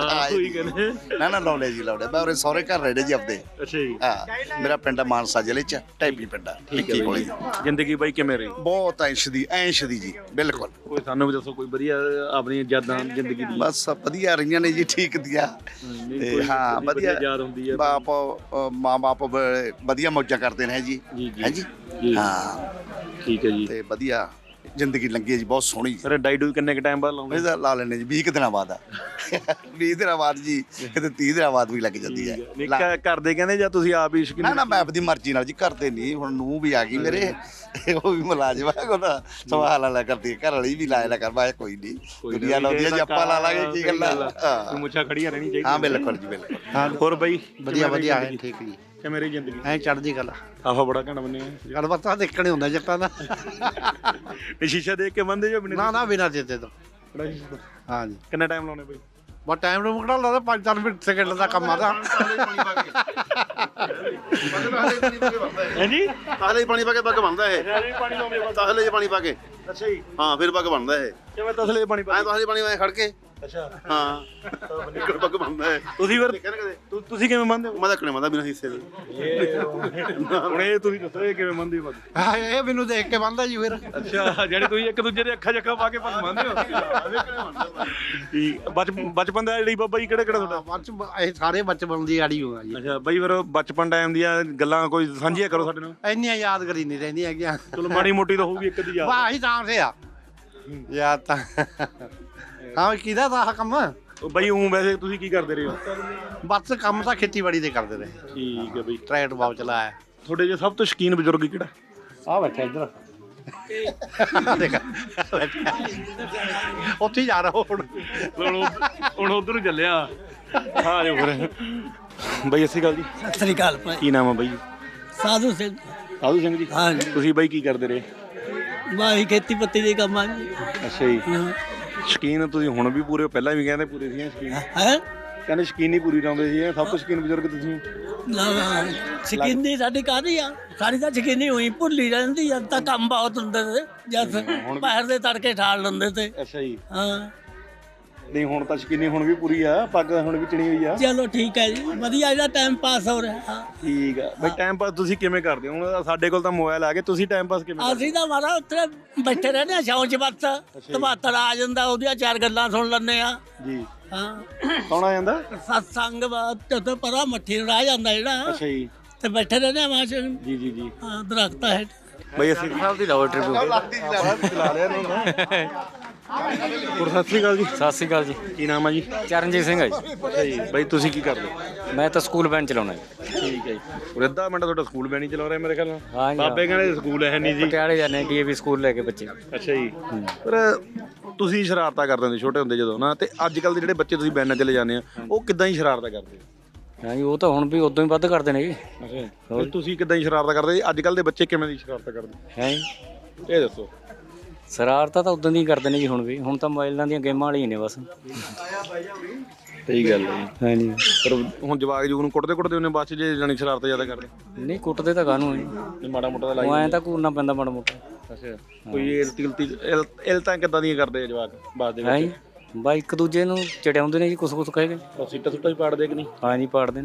H: ਨਾ ਲਾਉਣੇ ਜੀ, ਲਾਉਣੇ। ਮੈਂ ਉਰੇ ਸਹੁਰੇ ਘਰ ਰਹਿਣੇ ਜੀ ਆਪਦੇ।
B: ਅੱਛਾ ਜੀ।
H: ਹਾਂ, ਮੇਰਾ ਪਿੰਡ ਮਾਨਸਾ ਜ਼ਿਲ੍ਹੇ ਚ ਢੈਬੀ ਪਿੰਡ ਆ।
B: ਠੀਕ ਹੈ ਬਈ। ਜ਼ਿੰਦਗੀ ਬਾਈ ਕਿਵੇਂ ਰਹੀ?
H: ਬਹੁਤ ਐਸ਼ ਦੀ ਜੀ, ਬਿਲਕੁਲ।
B: ਕੋਈ ਸਾਨੂੰ ਵੀ ਦੱਸੋ ਕੋਈ ਵਧੀਆ ਆਪਣੀ ਯਾਦਾਂ ਜ਼ਿੰਦਗੀ ਦੀ।
H: ਬਸ ਵਧੀਆ ਰਹੀਆਂ ਨੇ ਜੀ, ਠੀਕ ਦੀਆਂ। ਤੇ ਹਾਂ, ਵਧੀਆ
B: ਯਾਦ ਹੁੰਦੀ ਹੈ।
H: ਬਾਪ ਮਾਂ ਬਾਪ ਵਧੀਆ ਮੌਜਾਂ ਕਰਦੇ ਨੇ ਜੀ। ਹੈ ਜੀ। ਹਾਂ
B: ਠੀਕ ਹੈ ਜੀ।
H: ਤੇ ਵਧੀਆ ਜ਼ਿੰਦਗੀ ਲੰਘੀ ਹੈ ਜੀ, ਬਹੁਤ ਸੋਹਣੀ।
B: ਫਿਰ ਡਾਈਡੂ ਕਿੰਨੇ ਕ ਟਾਈਮ ਬਾਅਦ ਲਾਉਂਦੇ?
H: ਇਹਦਾ ਲਾ ਲੈਣੇ ਜੀ 20 ਦਿਨਾਂ ਬਾਅਦ ਆ। 20 ਦਿਨਾਂ ਬਾਅਦ ਜੀ, ਕਿਤੇ 30 ਦਿਨਾਂ ਬਾਅਦ ਵੀ ਲੱਗ ਜਾਂਦੀ ਹੈ।
B: ਕਰਦੇ ਕਹਿੰਦੇ ਜਾਂ ਤੁਸੀਂ ਆਪ ਹੀ ਸ਼ਕੀਨ?
H: ਨਾ ਮੈਂ ਆਪਦੀ ਮਰਜ਼ੀ ਨਾਲ ਜੀ, ਕਰਦੇ ਨਹੀਂ। ਹੁਣ ਨੂੰਹ ਵੀ ਆ ਗਈ ਮੇਰੇ, ਉਹ ਵੀ ਮੁਲਾਜ਼ਮ ਆ, ਉਹਦਾ ਸਵਾਲ ਵਾਲਾ ਕਰਦੀ ਹੈ। ਘਰ ਵਾਲੀ ਵੀ ਲਾਇਆ ਕਰ, ਮੈਂ ਕੋਈ ਨਹੀਂ, ਦੁਨੀਆ ਲਾਉਂਦੀ ਹੈ ਜੀ, ਆਪਾਂ ਲਾ ਲਾਂਗੇ, ਕੀ ਗੱਲਾਂ।
B: ਮੁੱਛਾਂ ਖੜੀਆਂ ਰਹਿਣੀ ਚਾਹੀਦੀ।
H: ਹਾਂ ਬਿਲਕੁਲ ਜੀ, ਬਿਲਕੁਲ।
B: ਹੋਰ ਬਈ
E: ਵਧੀਆ ਹੈ, ਠੀਕ ਜੀ।
B: ਕਿ ਮੇਰੀ ਜ਼ਿੰਦਗੀ
E: ਐ ਚੜ੍ਹਦੀ ਗੱਲ।
B: ਆਹੋ ਬੜਾ ਘਣ ਬੰਨੇ
E: ਗੱਲ ਬਾਤਾਂ ਦੇਖਣੇ ਹੁੰਦਾ ਜੱਟਾਂ ਦਾ।
B: ਸ਼ੀਸ਼ਾ ਦੇਖ ਕੇ ਬੰਦੇ ਜੋ
E: ਨਾ ਬਿਨਾਂ ਦਿੱਤੇ ਤੋਂ। ਹਾਂ ਜੀ।
B: ਕਿੰਨਾ ਟਾਈਮ ਲਾਉਣੇ ਬਈ?
E: ਬਹੁਤ ਟਾਈਮ ਨੂੰ ਮੁਕੜਾ ਲਾਦਾ, 5-4 ਮਿੰਟ ਸੈਕਿੰਡ ਦਾ ਕੰਮ ਆਦਾ।
B: ਹਾਂਜੀ,
C: ਤਾਹਲੇ ਪਾਣੀ ਪਾ ਕੇ ਪੱਗ ਬਣਦਾ ਇਹ। ਤਾਹਲੇ 'ਚ ਪਾਣੀ ਪਾ ਕੇ।
B: ਅੱਛਾ ਜੀ।
C: ਹਾਂ, ਫਿਰ ਪੱਗ ਬਣਦਾ ਇਹ।
B: ਕਿਵੇਂ ਤਸਲੇ ਪਾਣੀ ਪਾ?
C: ਐ ਤਾਹਲੇ ਪਾਣੀ ਵਾਂ ਖੜ ਕੇ।
B: ਅੱਛਾ।
C: ਹਾਂ, ਨਿਕਲ ਪੱਗ ਬਣਦਾ ਇਹ।
B: ਤੁਸੀਂ ਫਿਰ ਤੁਸੀਂ ਕਿਵੇਂ ਮੰਨਦੇ ਹੋ?
C: ਮੈਂ ਤਾਂ ਕਣੇ ਮੰਨਦਾ ਬਿਨਾਂ ਹਿੱਸੇ ਦੇ।
B: ਹੁਣ ਇਹ ਤੁਸੀਂ ਦੱਸੋ ਇਹ ਕਿਵੇਂ ਮੰਨਦੇ ਹੋ?
E: ਹਾਂ, ਇਹ ਮੈਨੂੰ ਦੇਖ ਕੇ ਬੰਦਾ ਜੀ ਫਿਰ।
B: ਅੱਛਾ, ਜਿਹੜੇ ਤੁਸੀਂ ਇੱਕ ਦੂਜੇ ਦੇ ਅੱਖਾਂ ਜੱਖਾਂ ਪਾ ਕੇ ਪੱਗ ਮੰਨਦੇ ਹੋ? ਠੀਕ। ਬਚਪਨ ਦਾ ਜਿਹੜੀ ਬਾਬਾ ਜੀ ਕਿਹੜਾ ਤੁਹਾਡਾ?
E: ਇਹ ਸਾਰੇ ਬਚਪਨ ਦੀ ਆੜੀ ਹੋਗਾ ਜੀ।
B: ਅੱਛਾ ਬਈ, ਫਿਰ ਬਚਪਨ ਟਾਈਮ ਦੀਆਂ ਗੱਲਾਂ ਕੋਈ ਸਾਂਝੀਆਂ ਕਰੋ ਸਾਡੇ ਨਾਲ।
E: ਇੰਨੀਆਂ ਯਾਦਗਰੀ ਨਹੀਂ ਰਹਿੰਦੀਆਂ ਹੈਗੀਆਂ।
B: ਚਲੋ ਮਾੜੀ ਮੋਟੀ ਤਾਂ ਹੋਊਗੀ ਇੱਕ ਦੀ ਯਾਦ।
E: ਵਾਹ ਹੀ ਤਾਂ ਸੇ ਆ ਯਾਦ ਤਾਂ। ਹਾਂ, ਕਿਹਦਾ ਦਾ ਆਹ ਕੰਮ?
B: ਬਈ ਉਹ ਵੈਸੇ ਤੁਸੀਂ ਕੀ ਕਰਦੇ ਰਹੇ ਹੋ?
E: ਬਸ ਕੰਮ ਤਾਂ ਖੇਤੀਬਾੜੀ ਦੇ ਕਰਦੇ ਰਹੇ।
B: ਠੀਕ ਹੈ ਬਈ।
E: ਟਰੈਕਟਰ ਬਾਬ ਚਲਾਇਆ।
B: ਤੁਹਾਡੇ ਜੇ ਸਭ ਤੋਂ ਸ਼ੌਕੀਨ ਬਜ਼ੁਰਗ ਕਿਹੜਾ?
E: ਆ ਬੈਠਾ ਇੱਧਰ। ਦੇਖ ਉੱਥੇ ਜਾ ਰਹਾ ਹੁਣ
B: ਉਧਰ ਨੂੰ ਚੱਲਿਆ। ਹਾਂ ਜੋ ਫਿਰ ਬਈ ਅਸੀਂ ਗੱਲ ਜੀ।
I: ਸਤਿ ਸ੍ਰੀ ਅਕਾਲ ਭਾਈ।
B: ਕੀ ਨਾਮ ਹੈ ਬਈ?
I: ਸਾਧੂ ਸਿੰਘ।
B: ਸਾਧੂ ਸਿੰਘ ਜੀ।
I: ਹਾਂਜੀ।
B: ਤੁਸੀਂ ਬਈ ਕੀ ਕਰਦੇ ਰਹੇ?
I: ਵਾਹੀ ਖੇਤੀ ਪੱਤੀ ਦੇ ਕੰਮ ਆ ਜੀ।
B: ਅੱਛਾ ਜੀ। ਸ਼ੌਕੀਨ ਤੁਸੀਂ ਹੁਣ ਵੀ ਪੂਰੇ, ਪਹਿਲਾਂ ਵੀ ਕਹਿੰਦੇ ਪੂਰੇ ਸੀ ਸ਼ੌਕੀਨ?
I: ਹੈ
B: ਕਹਿੰਦੇ ਸ਼ੌਕੀਨ ਹੀ ਪੂਰੀ ਲਾਉਂਦੇ ਸੀ। ਸਭ ਤੋਂ ਸ਼ੌਕੀਨ ਬਜ਼ੁਰਗ ਤੁਸੀਂ?
I: ਸ਼ਕੀਨੀ ਸਾਡੀ ਕਾਹਦੀ ਆ? ਸਾਡੀ ਤਾਂ ਸ਼ਕੀਨੀ ਹੋਈ ਭੁੱਲੀ ਰਹਿੰਦੀ ਜਦ ਤਾਂ ਕੰਮ ਬਹੁਤ ਹੁੰਦੇ ਤੇ, ਜਦ ਬਾਹਰ ਦੇ ਤੜਕੇ ਠਾਲ ਲੈਂਦੇ ਤੇ।
B: ਅੱਛਾ ਜੀ।
I: ਹਾਂ,
B: ਨਹੀਂ ਹੁਣ ਤਾਂ ਸ਼ੌਕੀਨੀ ਹੁਣ ਵੀ ਪੂਰੀ ਆ, ਪੱਗ ਹੁਣ ਵੀ ਚਿਣੀ ਹੋਈ ਆ।
I: ਚਲੋ ਠੀਕ ਹੈ ਜੀ, ਵਧੀਆ ਇਹਦਾ ਟਾਈਮ ਪਾਸ ਹੋ ਰਿਹਾ।
B: ਠੀਕ ਆ ਬਈ। ਟਾਈਮ ਪਾਸ ਤੁਸੀਂ ਕਿਵੇਂ ਕਰਦੇ ਹੋ? ਹੁਣ ਸਾਡੇ ਕੋਲ ਤਾਂ ਮੋਬਾਈਲ ਆ ਗਏ, ਤੁਸੀਂ ਟਾਈਮ ਪਾਸ ਕਿਵੇਂ ਕਰਦੇ?
I: ਅਸੀਂ ਤਾਂ ਮਾਰਾ ਉੱਥੇ ਬੈਠੇ ਰਹਿੰਦੇ ਆ ਛਾਂ 'ਚ, ਬਸ ਤਬਾਤਰ ਆ ਜਾਂਦਾ, ਉਹਦੀਆਂ 4 ਗੱਲਾਂ ਸੁਣ ਲੈਂਦੇ ਆ
B: ਜੀ।
I: ਹਾਂ।
B: ਕੌਣ ਆ ਜਾਂਦਾ?
I: ਸਤਸੰਗ ਤੇ ਪਰਾਂ ਮੱਠੀ ਨੂੰ ਰਹਿ ਜਾਂਦਾ ਜਿਹੜਾ।
B: ਅੱਛਾ ਜੀ।
I: ਤੇ ਬੈਠੇ ਰਹਿੰਦੇ ਆ ਮਾਂ
B: ਜੀ ਜੀ ਜੀ।
I: ਹਾਂ, ਦਰਖਤਾਂ ਹੇਠ।
B: ਬਈ ਅਸੀਂ ਸਾਹਿਬ ਦੀ ਲਾਓ ਟ੍ਰਿਪ ਚਲਾ ਲਿਆ ਇਹਨਾਂ ਹੋਰ। ਸਤਿ ਸ਼੍ਰੀ ਅਕਾਲ ਜੀ।
J: ਸਤਿ ਸ਼੍ਰੀ ਅਕਾਲ ਜੀ।
B: ਕੀ ਨਾਮ ਹੈ ਜੀ?
J: ਚਰਨਜੀਤ ਸਿੰਘ ਹੈ ਜੀ।
B: ਅੱਛਾ ਜੀ। ਬਈ ਤੁਸੀਂ ਕੀ ਕਰਦੇ ਹੋ?
J: ਮੈਂ ਤਾਂ ਸਕੂਲ ਵੈਨ ਚਲਾਉਣਾ ਜੀ।
B: ਠੀਕ ਹੈ ਜੀ। ਅੱਧਾ ਮਿੰਟ ਤੁਹਾਡਾ ਸਕੂਲ ਵੈਨ ਹੀ ਚਲਾ ਰਿਹਾ ਮੇਰੇ ਖਿਆਲ ਨਾਲ।
J: ਹਾਂ ਜੀ।
B: ਬਾਬੇ ਕਹਿੰਦੇ ਸਕੂਲ ਹੈ ਨਹੀਂ ਜੀ।
J: ਪਟਿਆਲੇ ਜਾਂਦੇ ਡੀਏਵੀ ਸਕੂਲ ਲੈ ਕੇ ਬੱਚੇ।
B: ਅੱਛਾ ਜੀ। ਪਰ ਤੁਸੀਂ ਸ਼ਰਾਰਤਾਂ ਕਰਦੇ ਹੁੰਦੇ ਛੋਟੇ ਹੁੰਦੇ ਜਦੋਂ ਨਾ, ਤੇ ਅੱਜ ਕੱਲ ਦੇ ਜਿਹੜੇ ਬੱਚੇ ਤੁਸੀਂ ਵੈਨਾਂ ਚਲੇ ਜਾਂਦੇ ਆ, ਉਹ ਕਿੱਦਾਂ ਹੀ ਸ਼ਰਾਰਤਾਂ ਕਰਦੇ ਆ?
J: ਹਾਂ ਜੀ, ਉਹ ਤਾਂ ਹੁਣ ਵੀ ਉਦੋਂ ਹੀ ਵੱਧ ਕਰਦੇ ਨੇ ਜੀ।
B: ਅੱਛਾ। ਤੁਸੀਂ ਕਿੱਦਾਂ ਹੀ ਸ਼ਰਾਰਤਾਂ ਕਰਦੇ? ਅੱਜ ਕੱਲ ਦੇ ਬੱਚੇ ਕਿਵੇਂ ਦੀ ਸ਼ਰਾਰਤਾਂ ਕਰਦੇ
J: ਹੈ ਜੀ?
B: ਇਹ ਦੱਸੋ।
J: ਸ਼ਰਾਰਤਾਂ ਤਾਂ ਉਦੋਂ ਦੀ ਕਰਦੇ ਨੇ ਜੀ, ਹੁਣ ਵੀ। ਹੁਣ ਤਾਂ ਮੋਬਾਈਲਾਂ ਦੀਆਂ ਗੇਮਾਂ ਵਾਲੀਆਂ ਨੇ ਬਸ।
B: ਸਹੀ ਗੱਲ ਹੈ
J: ਹਾਂਜੀ।
B: ਪਰ ਹੁਣ ਜਵਾਕ ਜੂਕ ਨੂੰ ਕੁੱਟਦੇ ਉਹਨੇ ਬਾਅਦ 'ਚ ਜੇ ਜਾਣੀ ਸ਼ਰਾਰਤਾਂ ਜ਼ਿਆਦਾ ਕਰਦੇ।
J: ਨਹੀਂ ਕੁੱਟਦੇ ਤਾਂ ਕਾਹਨੂੰ ਜੀ,
B: ਨਹੀਂ ਮਾੜਾ ਮੋਟਾ ਤਾਂ
J: ਉਹ ਐਂ ਤਾਂ ਘੂਰਨਾ ਪੈਂਦਾ ਮਾੜਾ ਮੋਟਾ।
B: ਅੱਛਾ ਕੋਈ ਇਲਤਾਂ ਕਿੱਦਾਂ ਦੀਆਂ ਕਰਦੇ ਆ ਜਵਾਕ ਬਾਅਦ ਦੇ
J: ਹੈ
B: ਵਿੱਚ?
J: ਜੀ ਬਾ ਇੱਕ ਦੂਜੇ ਨੂੰ ਚੜਿਆਉਂਦੇ ਨੇ ਜੀ, ਕੁਛ ਕਹਿ ਕੇ।
B: ਸੀਟਾਂ ਸੁੱਟਾਂ ਹੀ ਪਾੜਦੇ ਕਿ ਨਹੀਂ?
J: ਹਾਂਜੀ ਪਾੜਦੇ ਨੇ।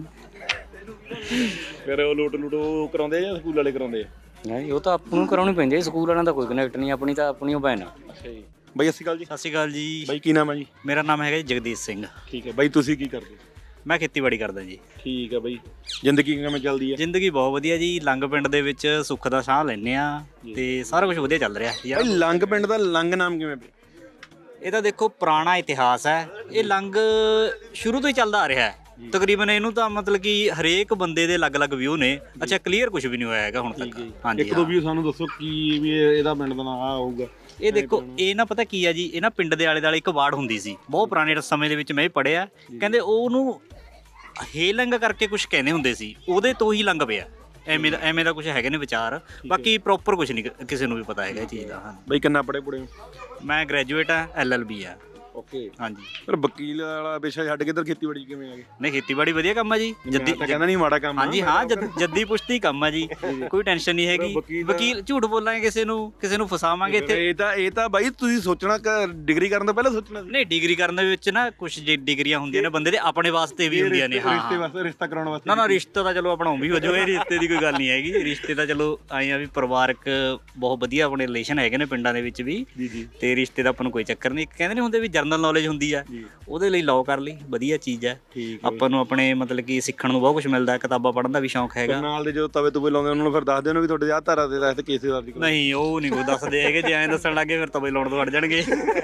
B: ਫਿਰ ਉਹ ਲੂਟ ਉਹ ਕਰਾਉਂਦੇ ਜਾਂ ਸਕੂਲ ਵਾਲੇ ਕਰਾਉਂਦੇ ਆ?
J: ਨਹੀਂ ਉਹ ਤਾਂ ਆਪਾਂ ਨੂੰ ਕਰਾਉਣੀ ਪੈਂਦੀ ਹੈ, ਸਕੂਲ ਵਾਲਿਆਂ ਦਾ ਕੋਈ ਕਨੈਕਟ ਨਹੀਂ, ਆਪਣੀ ਤਾਂ ਆਪਣੀ ਉਹ ਭੈਣ ਆ।
B: ਅੱਛਾ ਜੀ ਬਾਈ, ਸਤਿ ਸ਼੍ਰੀ ਅਕਾਲ ਜੀ।
K: ਸਤਿ ਸ਼੍ਰੀ ਅਕਾਲ ਜੀ।
B: ਬਾਈ ਕੀ ਨਾਮ ਹੈ ਜੀ?
K: ਮੇਰਾ ਨਾਮ ਹੈਗਾ ਜੀ ਜਗਦੀਸ਼ ਸਿੰਘ।
B: ਠੀਕ ਹੈ ਬਾਈ, ਤੁਸੀਂ ਕੀ ਕਰਦੇ?
K: ਮੈਂ ਖੇਤੀਬਾੜੀ ਕਰਦਾ ਜੀ।
B: ਠੀਕ ਹੈ ਬਾਈ, ਜ਼ਿੰਦਗੀ ਕਿਵੇਂ ਚੱਲਦੀ ਹੈ?
K: ਜ਼ਿੰਦਗੀ ਬਹੁਤ ਵਧੀਆ ਜੀ। ਲੰਗ ਪਿੰਡ ਦੇ ਵਿੱਚ ਸੁੱਖ ਦਾ ਸਾਹ ਲੈਂਦੇ ਆ ਤੇ ਸਾਰਾ ਕੁਝ ਵਧੀਆ ਚੱਲ ਰਿਹਾ ਯਾਰ।
B: ਬਾਈ ਲੰਗ ਪਿੰਡ ਦਾ ਲੰਗ ਨਾਮ ਕਿਵੇਂ ਪਿਆ?
K: ਇਹ ਤਾਂ ਦੇਖੋ ਪੁਰਾਣਾ ਇਤਿਹਾਸ ਹੈ। ਇਹ ਲੰਗ ਸ਼ੁਰੂ ਤੋਂ ਹੀ ਚੱਲਦਾ ਆ ਰਿਹਾ ਹੈ ਤਕਰੀਬਨ। ਇਹਨੂੰ ਤਾਂ ਮਤਲਬ ਕਿ ਹਰੇਕ ਬੰਦੇ ਦੇ ਅਲੱਗ-ਅਲੱਗ ਵਿਊ ਨੇ। ਅੱਛਾ ਕਲੀਅਰ ਕੁਝ ਵੀ ਨਹੀਂ ਹੋਇਆ ਹੈਗਾ ਹੁਣ ਤੱਕ। ਹਾਂਜੀ
B: ਇੱਕ ਦੋ ਵੀ ਸਾਨੂੰ ਦੱਸੋ ਕੀ ਵੀ ਇਹਦਾ ਪਿੰਡ ਦਾ ਨਾਮ ਆ ਹੋਊਗਾ?
K: ਇਹ ਦੇਖੋ ਇਹ ਨਾ ਪਤਾ ਕੀ ਆ ਜੀ, ਇਹ ਨਾ ਪਿੰਡ ਦੇ ਆਲੇ ਦੁਆਲੇ ਇੱਕ ਵਾਰਡ ਹੁੰਦੀ ਸੀ ਬਹੁਤ ਪੁਰਾਣੇ ਸਮੇਂ ਦੇ ਵਿੱਚ, ਮੈਂ ਵੀ ਪੜ੍ਹਿਆ। ਕਹਿੰਦੇ ਉਹਨੂੰ ਹੇਲੰਗ ਕਰਕੇ ਕੁਝ ਕਹਿੰਦੇ ਹੁੰਦੇ ਸੀ, ਉਹਦੇ ਤੋਂ ਹੀ ਲੰਗ ਪਿਆ। ਐਵੇਂ ਦਾ ਕੁਝ ਹੈਗੇ ਨੇ ਵਿਚਾਰ। ਬਾਕੀ ਪ੍ਰੋਪਰ ਕੁਝ ਨਹੀਂ ਕਿਸੇ ਨੂੰ ਵੀ ਪਤਾ ਹੈਗਾ ਇਹ ਚੀਜ਼ ਦਾ। ਹਾਂ
B: ਬਈ ਕਿੰਨਾ ਪੜ੍ਹੇ ਪੁੜੇ?
K: ਮੈਂ ਗ੍ਰੈਜੂਏਟ ਆ, LLB ਆ।
B: ਓਕੇ
K: ਹਾਂਜੀ।
B: ਪਰ ਵਕੀਲ ਵਾਲਾ ਪੇਸ਼ਾ ਛੱਡ ਕੇ ਇੱਧਰ ਖੇਤੀਬਾੜੀ ਕਿਵੇਂ ਆ ਗਏ?
K: ਨਹੀਂ ਖੇਤੀਬਾੜੀ ਵਧੀਆ ਕੰਮ ਆ ਜੀ।
B: ਜੱਦੀ ਕਹਿੰਦਾ ਨਹੀਂ ਮਾੜਾ ਕੰਮ।
K: ਹਾਂਜੀ ਹਾਂ, ਜੱਦੀ ਪੁਸ਼ਤੀ ਕੰਮ ਆ ਜੀ, ਕੋਈ ਟੈਨਸ਼ਨ ਨਹੀਂ ਹੈਗੀ। ਵਕੀਲ ਝੂਠ ਬੋਲਾਂਗੇ ਕਿਸੇ ਨੂੰ ਫਸਾਵਾਂਗੇ ਇੱਥੇ।
B: ਇਹ ਤਾਂ ਬਾਈ ਤੁਸੀਂ ਸੋਚਣਾ ਡਿਗਰੀ ਕਰਨ ਤੋਂ ਪਹਿਲਾਂ ਸੋਚਣਾ।
K: ਨਹੀਂ ਡਿਗਰੀ ਕਰਨ ਦੇ ਵਿੱਚ ਨਾ ਕੁਝ ਡਿਗਰੀਆਂ ਹੁੰਦੀਆਂ ਨੇ ਬੰਦੇ ਦੇ ਆਪਣੇ ਵਾਸਤੇ ਵੀ ਹੁੰਦੀਆਂ ਨੇ। ਹਾਂ
B: ਰਿਸ਼ਤੇ ਵਾਸਤੇ, ਰਿਸ਼ਤਾ ਕਰਾਉਣ ਵਾਸਤੇ।
K: ਨਾ ਰਿਸ਼ਤਾ ਤਾਂ ਚਲੋ ਆਪਣਾ ਵੀ ਹੋ ਜਾਓ, ਇਹ ਰਿਸ਼ਤੇ ਦੀ ਕੋਈ ਗੱਲ ਨਹੀਂ ਹੈਗੀ। ਰਿਸ਼ਤੇ ਤਾਂ ਚਲੋ ਆਏ ਆ ਵੀ ਪਰਿਵਾਰਕ ਬਹੁਤ ਵਧੀਆ ਆਪਣੇ ਰਿਲੇਸ਼ਨ ਹੈਗੇ ਨੇ ਪਿੰਡਾਂ ਦੇ ਵਿੱਚ ਵੀ, ਤੇ ਰਿਸ਼ਤੇ ਦਾ ਆਪਾਂ ਨੂੰ ਕੋਈ ਚੱਕਰ ਨਹੀਂ। ਕਹਿੰਦੇ ਨਹੀਂ ਹੁੰਦੇ ਵੀ ਜਰਨਲ ਨੌਲੇਜ ਹੁੰਦੀ ਆ, ਉਹਦੇ ਲਈ ਲਾਅ ਕਰ ਲਈ ਵਧੀਆ ਚੀਜ਼ ਹੈ। ਆਪਾਂ ਨੂੰ ਆਪਣੇ ਮਤਲਬ ਕਿ ਸਿੱਖਣ ਨੂੰ ਬਹੁਤ ਕੁਝ ਮਿਲਦਾ। ਕਿਤਾਬਾਂ ਪੜ੍ਹਨ ਦਾ ਵੀ ਸ਼ੌਂਕ ਹੈਗਾ।
B: ਨਾਲ ਦੇ ਜੋ ਤਵੇ ਤੁਵੇ ਲਾਉਂਦੇ ਉਹਨਾਂ ਨੂੰ ਫਿਰ ਦੱਸ ਦੇਣ ਵੀ ਤੁਹਾਡੇ ਆਹ ਧਾਰਾ ਦੇ ਤਹਿਤ ਕੇਸ ਦਰਜ ਕਰੋ।
K: ਨਹੀਂ ਉਹ ਨਹੀਂ ਕੋਈ ਦੱਸਦੇ ਹੈਗੇ, ਜੇ ਐਂ ਦੱਸਣ ਲੱਗੇ ਫਿਰ ਤਵੇ ਲਾਉਣ ਤੋਂ ਹਟ ਜਾਣਗੇ।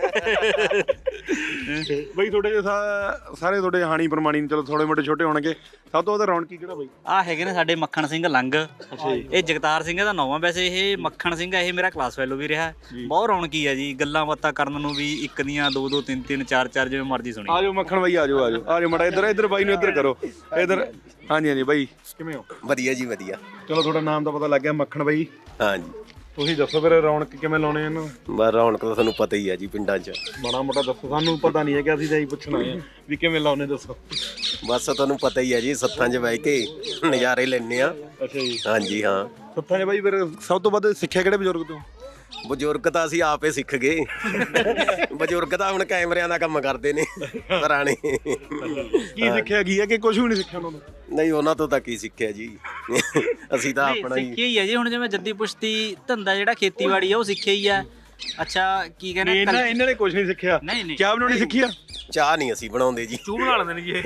B: ਬਈ ਤੁਹਾਡੇ ਸਾਰੇ ਤੁਹਾਡੇ ਹਾਣੀ ਪ੍ਰਮਾਣੀ ਚਲੋ ਥੋੜੇ ਮੋਟੇ ਛੋਟੇ ਹੋਣਗੇ, ਸਭ ਤੋਂ ਵੱਧ ਰੌਣਕੀ ਕਿਹੜਾ ਬਈ?
K: ਆਹ ਹੈਗੇ ਨੇ ਸਾਡੇ ਮੱਖਣ ਸਿੰਘ ਲੰਗ। ਇਹ ਜਗਤਾਰ ਸਿੰਘ ਦਾ ਨਾਮ ਆ ਵੈਸੇ। ਇਹ ਮੱਖਣ ਸਿੰਘ ਇਹ ਮੇਰਾ ਕਲਾਸ ਫੈਲੋ ਵੀ ਰਿਹਾ। ਬਹੁਤ ਰੌਣਕੀ ਆ ਜੀ, ਗੱਲਾਂ ਬਾਤਾਂ ਕਰਨ ਨੂੰ ਵੀ ਇੱਕ ਦੀਆਂ ਦੋ ਦੋ ਤਿੰਨ ਤਿੰਨ ਚਾਰ ਚਾਰ ਜਿਵੇਂ ਮਰਜ਼ੀ ਸੁਣੀ।
B: ਆਜੋ ਮੱਖਣ ਬਾਈ, ਆਜੋ ਮਾੜਾ ਇੱਧਰ ਬਾਈ ਨੂੰ ਇੱਧਰ ਕਰੋ ਇੱਧਰ। ਹਾਂਜੀ ਬਾਈ ਕਿਵੇਂ ਹੋ?
D: ਵਧੀਆ ਜੀ ਵਧੀਆ।
B: ਚਲੋ ਤੁਹਾਡਾ ਨਾਮ ਤਾਂ ਪਤਾ ਲੱਗ ਗਿਆ, ਮੱਖਣ ਬਾਈ।
D: ਹਾਂਜੀ
B: ਤੁਸੀਂ ਦੱਸੋ ਫਿਰ ਰੌਣਕ ਕਿਵੇਂ ਲਾਉਣੇ ਇਹਨਾਂ?
D: ਬਸ ਰੌਣਕ ਤਾਂ ਤੁਹਾਨੂੰ ਪਤਾ ਹੀ ਆ ਜੀ ਪਿੰਡਾਂ 'ਚ।
B: ਮਾੜਾ ਮੋਟਾ ਦੱਸੋ, ਸਾਨੂੰ ਪਤਾ ਨਹੀਂ ਹੈ ਕਿ ਅਸੀਂ ਤਾਂ ਇਹੀ ਪੁੱਛਣਾ ਹੈ ਵੀ ਕਿਵੇਂ ਲਾਉਣੇ, ਦੱਸੋ।
D: ਬਸ ਤੁਹਾਨੂੰ ਪਤਾ ਹੀ ਆ ਜੀ, ਸੱਥਾਂ 'ਚ ਬਹਿ ਕੇ ਨਜ਼ਾਰੇ ਲੈਣੇ ਆ।
B: ਅੱਛਾ ਜੀ।
D: ਹਾਂਜੀ ਹਾਂ।
B: ਸੱਥਾਂ 'ਚ ਬਾਈ ਫਿਰ ਸਭ ਤੋਂ ਵੱਧ ਸਿੱਖਿਆ ਕਿਹੜੇ ਬਜ਼ੁਰਗ ਤੋਂ?
D: ਬਜ਼ੁਰਗ ਤਾਂ ਅਸੀਂ ਆਪੇ ਸਿੱਖ ਗਏ। ਬਜ਼ੁਰਗ ਤਾਂ ਹੁਣ ਕੈਮਰਿਆਂ ਦਾ ਕੰਮ ਕਰਦੇ ਨੇ ਪੁਰਾਣੇ।
B: ਕੀ ਸਿੱਖਿਆ ਕੀ ਹੈ ਕਿ ਕੁਝ ਵੀ ਨਹੀਂ ਸਿੱਖਿਆ ਉਹਨਾਂ ਤੋਂ?
D: ਨਹੀਂ ਉਹਨਾਂ ਤੋਂ ਤਾਂ ਕੀ ਸਿੱਖਿਆ ਜੀ, ਅਸੀਂ ਤਾਂ ਆਪਣਾ ਹੀ
K: ਸਿੱਖਿਆ ਹੀ ਆ ਜੀ। ਹੁਣ ਜਿਵੇਂ ਜੱਦੀ ਪੁਸ਼ਤੀ ਧੰਦਾ ਜਿਹੜਾ ਖੇਤੀਬਾੜੀ ਆ ਉਹ ਸਿੱਖਿਆ ਹੀ ਆ। ਅੱਛਾ ਕੀ ਕਹਿੰਦੇ
B: ਇਹਨਾਂ ਨੇ ਕੁਝ ਨਹੀਂ ਸਿੱਖਿਆ?
K: ਨਹੀਂ
B: ਚਾਹ ਬਣਾਉਣੀ ਸਿੱਖੀ ਆ?
D: ਚਾਹ ਨਹੀਂ ਅਸੀਂ ਬਣਾਉਂਦੇ ਜੀ,
K: ਚੂਹ ਬਣਾ ਲੈਂਦੇ ਨੇ ਜੀ ਇਹ।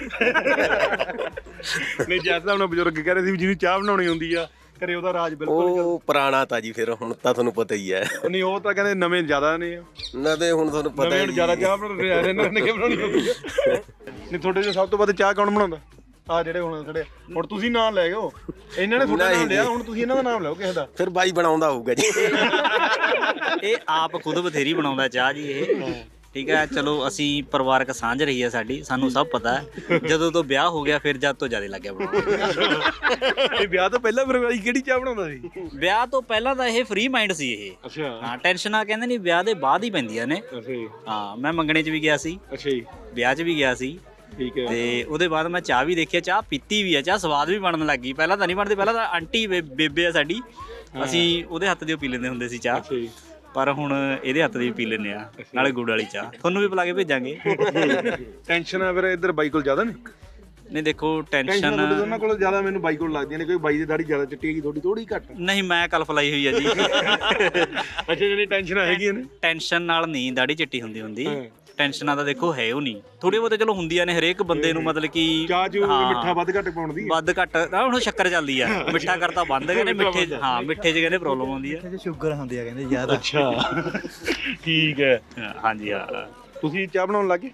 B: ਨਹੀਂ ਜੈਸਾ ਹੁਣ ਬਜ਼ੁਰਗ ਕਹਿ ਰਹੇ ਸੀ ਵੀ ਜਿਹਨੂੰ ਚਾਹ ਬਣਾਉਣੀ ਹੁੰਦੀ ਆ ਘਰੇ, ਉਹਦਾ ਰਾਜ ਬਿਲਕੁਲ
D: ਉਹ ਪੁਰਾਣਾ ਤਾਂ ਜੀ। ਫਿਰ ਹੁਣ ਤਾਂ ਤੁਹਾਨੂੰ ਪਤਾ ਹੀ ਹੈ।
B: ਨਹੀਂ ਉਹ ਤਾਂ ਕਹਿੰਦੇ ਨਵੇਂ ਜ਼ਿਆਦਾ ਨੇ
D: ਨਾ ਤੇ ਹੁਣ ਤੁਹਾਨੂੰ ਪਤਾ ਹੈ
B: ਜ਼ਿਆਦਾ ਚਾਹ ਬਣਾਉਂਦੇ ਆ ਇਹਨਾਂ ਨੇ, ਕਿ ਬਣਾਉਣੀ ਹੁੰਦੀ ਆ। ਨਹੀਂ ਤੁਹਾਡੇ ਜੋ ਸਭ ਤੋਂ ਵੱਧ ਚਾਹ ਕੌਣ ਬਣਾਉਂਦਾ? ਆ ਜਿਹੜੇ ਹੁਣ ਖੜੇ, ਹੁਣ ਤੁਸੀਂ ਨਾਮ ਲੈ ਗਏ, ਇਹਨਾਂ ਨੇ ਤੁਹਾਡਾ ਨਾਮ ਲਿਆ, ਹੁਣ ਤੁਸੀਂ ਇਹਨਾਂ ਦਾ ਨਾਮ ਲਓ ਕਿਸੇ ਦਾ।
D: ਫਿਰ ਬਾਈ ਬਣਾਉਂਦਾ ਹੋਊਗਾ ਜੀ।
K: ਇਹ ਆਪ ਖੁਦ ਬਥੇਰੀ ਬਣਾਉਂਦਾ ਚਾਹ ਜੀ ਇਹ। ਠੀਕ ਹੈ ਚਲੋ, ਅਸੀਂ ਪਰਿਵਾਰਕ ਸਾਂਝ ਰਹੀ ਹੈ ਸਾਡੀ, ਸਾਨੂੰ ਸਭ ਪਤਾ ਹੈ। ਜਦੋਂ ਤੋਂ ਵਿਆਹ ਹੋ ਗਿਆ ਫਿਰ ਜਦ ਤੋਂ ਜ਼ਿਆਦਾ ਲੱਗਿਆ ਬਣਾਉਣਾ।
B: ਇਹ ਵਿਆਹ ਤੋਂ ਪਹਿਲਾਂ ਫਿਰ ਬਾਈ ਕਿਹੜੀ ਚਾਹ ਬਣਾਉਂਦਾ ਸੀ?
K: ਵਿਆਹ ਤੋਂ ਪਹਿਲਾਂ ਤਾਂ ਇਹ ਫ੍ਰੀ ਮਾਈਂਡ ਸੀ ਇਹ।
B: ਅੱਛਾ
K: ਹਾਂ, ਟੈਨਸ਼ਨਾਂ ਕਹਿੰਦੇ ਨਹੀਂ ਵਿਆਹ ਦੇ ਬਾਅਦ ਹੀ ਪੈਂਦੀਆਂ ਨੇ।
B: ਅੱਛਾ ਜੀ।
K: ਹਾਂ, ਮੈਂ ਮੰਗਣੇ 'ਚ ਵੀ ਗਿਆ ਸੀ।
B: ਅੱਛਾ ਜੀ।
K: ਵਿਆਹ 'ਚ ਵੀ ਗਿਆ ਸੀ।
B: ਠੀਕ ਹੈ।
K: ਤੇ ਉਹਦੇ ਬਾਅਦ ਮੈਂ ਚਾਹ ਵੀ ਦੇਖਿਆ, ਚਾਹ ਪੀਤੀ ਵੀ ਆ, ਚਾਹ ਸਵਾਦ ਵੀ ਬਣਨ ਲੱਗ ਗਈ। ਪਹਿਲਾਂ ਤਾਂ ਨਹੀਂ ਬਣਦੀ, ਪਹਿਲਾਂ ਤਾਂ ਆਂਟੀ ਬੇਬੇ ਆ ਸਾਡੀ, ਅਸੀਂ ਉਹਦੇ ਹੱਥ ਦੀ ਪੀ ਲੈਂਦੇ ਹੁੰਦੇ ਸੀ ਚਾਹ। ਪਰ ਹੁਣ ਇਹਦੇ ਹੱਥ ਦੀ ਪੀ ਲੈਂਦੇ ਆ, ਨਾਲੇ ਗੁੜ ਵਾਲੀ ਚਾਹ। ਤੁਹਾਨੂੰ ਵੀ ਪਿਲਾ ਕੇ ਭੇਜਾਂਗੇ।
B: ਟੈਨਸ਼ਨ ਆ ਫਿਰ ਇੱਧਰ ਬਾਈ ਕੋਲ ਜ਼ਿਆਦਾ ਨੇ?
K: ਨਹੀਂ ਦੇਖੋ ਟੈਨਸ਼ਨ
B: ਉਹਨਾਂ ਕੋਲ ਜ਼ਿਆਦਾ ਮੈਨੂੰ ਬਾਈ ਕੋਲ ਲੱਗਦੀਆਂ ਨੇ, ਕੋਈ ਬਾਈ ਦੀ ਦਾੜੀ ਜ਼ਿਆਦਾ ਚਿੱਟੀ ਹੈਗੀ, ਥੋੜੀ ਘੱਟ।
K: ਨਹੀਂ ਮੈਂ ਕਲਫ ਲਾਈ ਹੋਈ ਆ ਜੀ।
B: ਅੱਛਾ ਜਿਹੜੀ ਟੈਨਸ਼ਨ ਹੈਗੀਆਂ ਨੇ?
K: ਟੈਨਸ਼ਨ ਨਾਲ ਨਹੀਂ ਦਾੜੀ ਚਿੱਟੀ ਹੁੰਦੀ। ਟੈਨਸ਼ਨਾਂ ਤਾਂ ਦੇਖੋ ਹੈ ਉਹ ਨਹੀਂ, ਥੋੜ੍ਹੀਆਂ ਬਹੁਤੇ ਚਲੋ ਹੁੰਦੀਆਂ ਨੇ ਹਰੇਕ ਬੰਦੇ ਨੂੰ, ਮਤਲਬ ਕਿ
B: ਚਾਹ ਚ ਮਿੱਠਾ ਵੱਧ ਘੱਟ ਪਾਉਣ ਦੀ।
K: ਵੱਧ ਘੱਟ ਹੁਣ ਸ਼ੱਕਰ ਚੱਲਦੀ ਆ, ਮਿੱਠਾ ਕਰਤਾ ਬੰਦ ਕਹਿੰਦੇ, ਮਿੱਠੇ ਹਾਂ ਮਿੱਠੇ 'ਚ ਕਹਿੰਦੇ ਪ੍ਰੋਬਲਮ ਆਉਂਦੀ ਆ।
E: ਸ਼ੂਗਰ ਹੁੰਦੀ ਆ ਕਹਿੰਦੇ ਜ਼ਿਆਦਾ।
B: ਅੱਛਾ ਠੀਕ ਹੈ।
K: ਹਾਂਜੀ ਹਾਂ।
B: ਤੁਸੀਂ ਚਾਹ ਬਣਾਉਣ ਲੱਗੇ?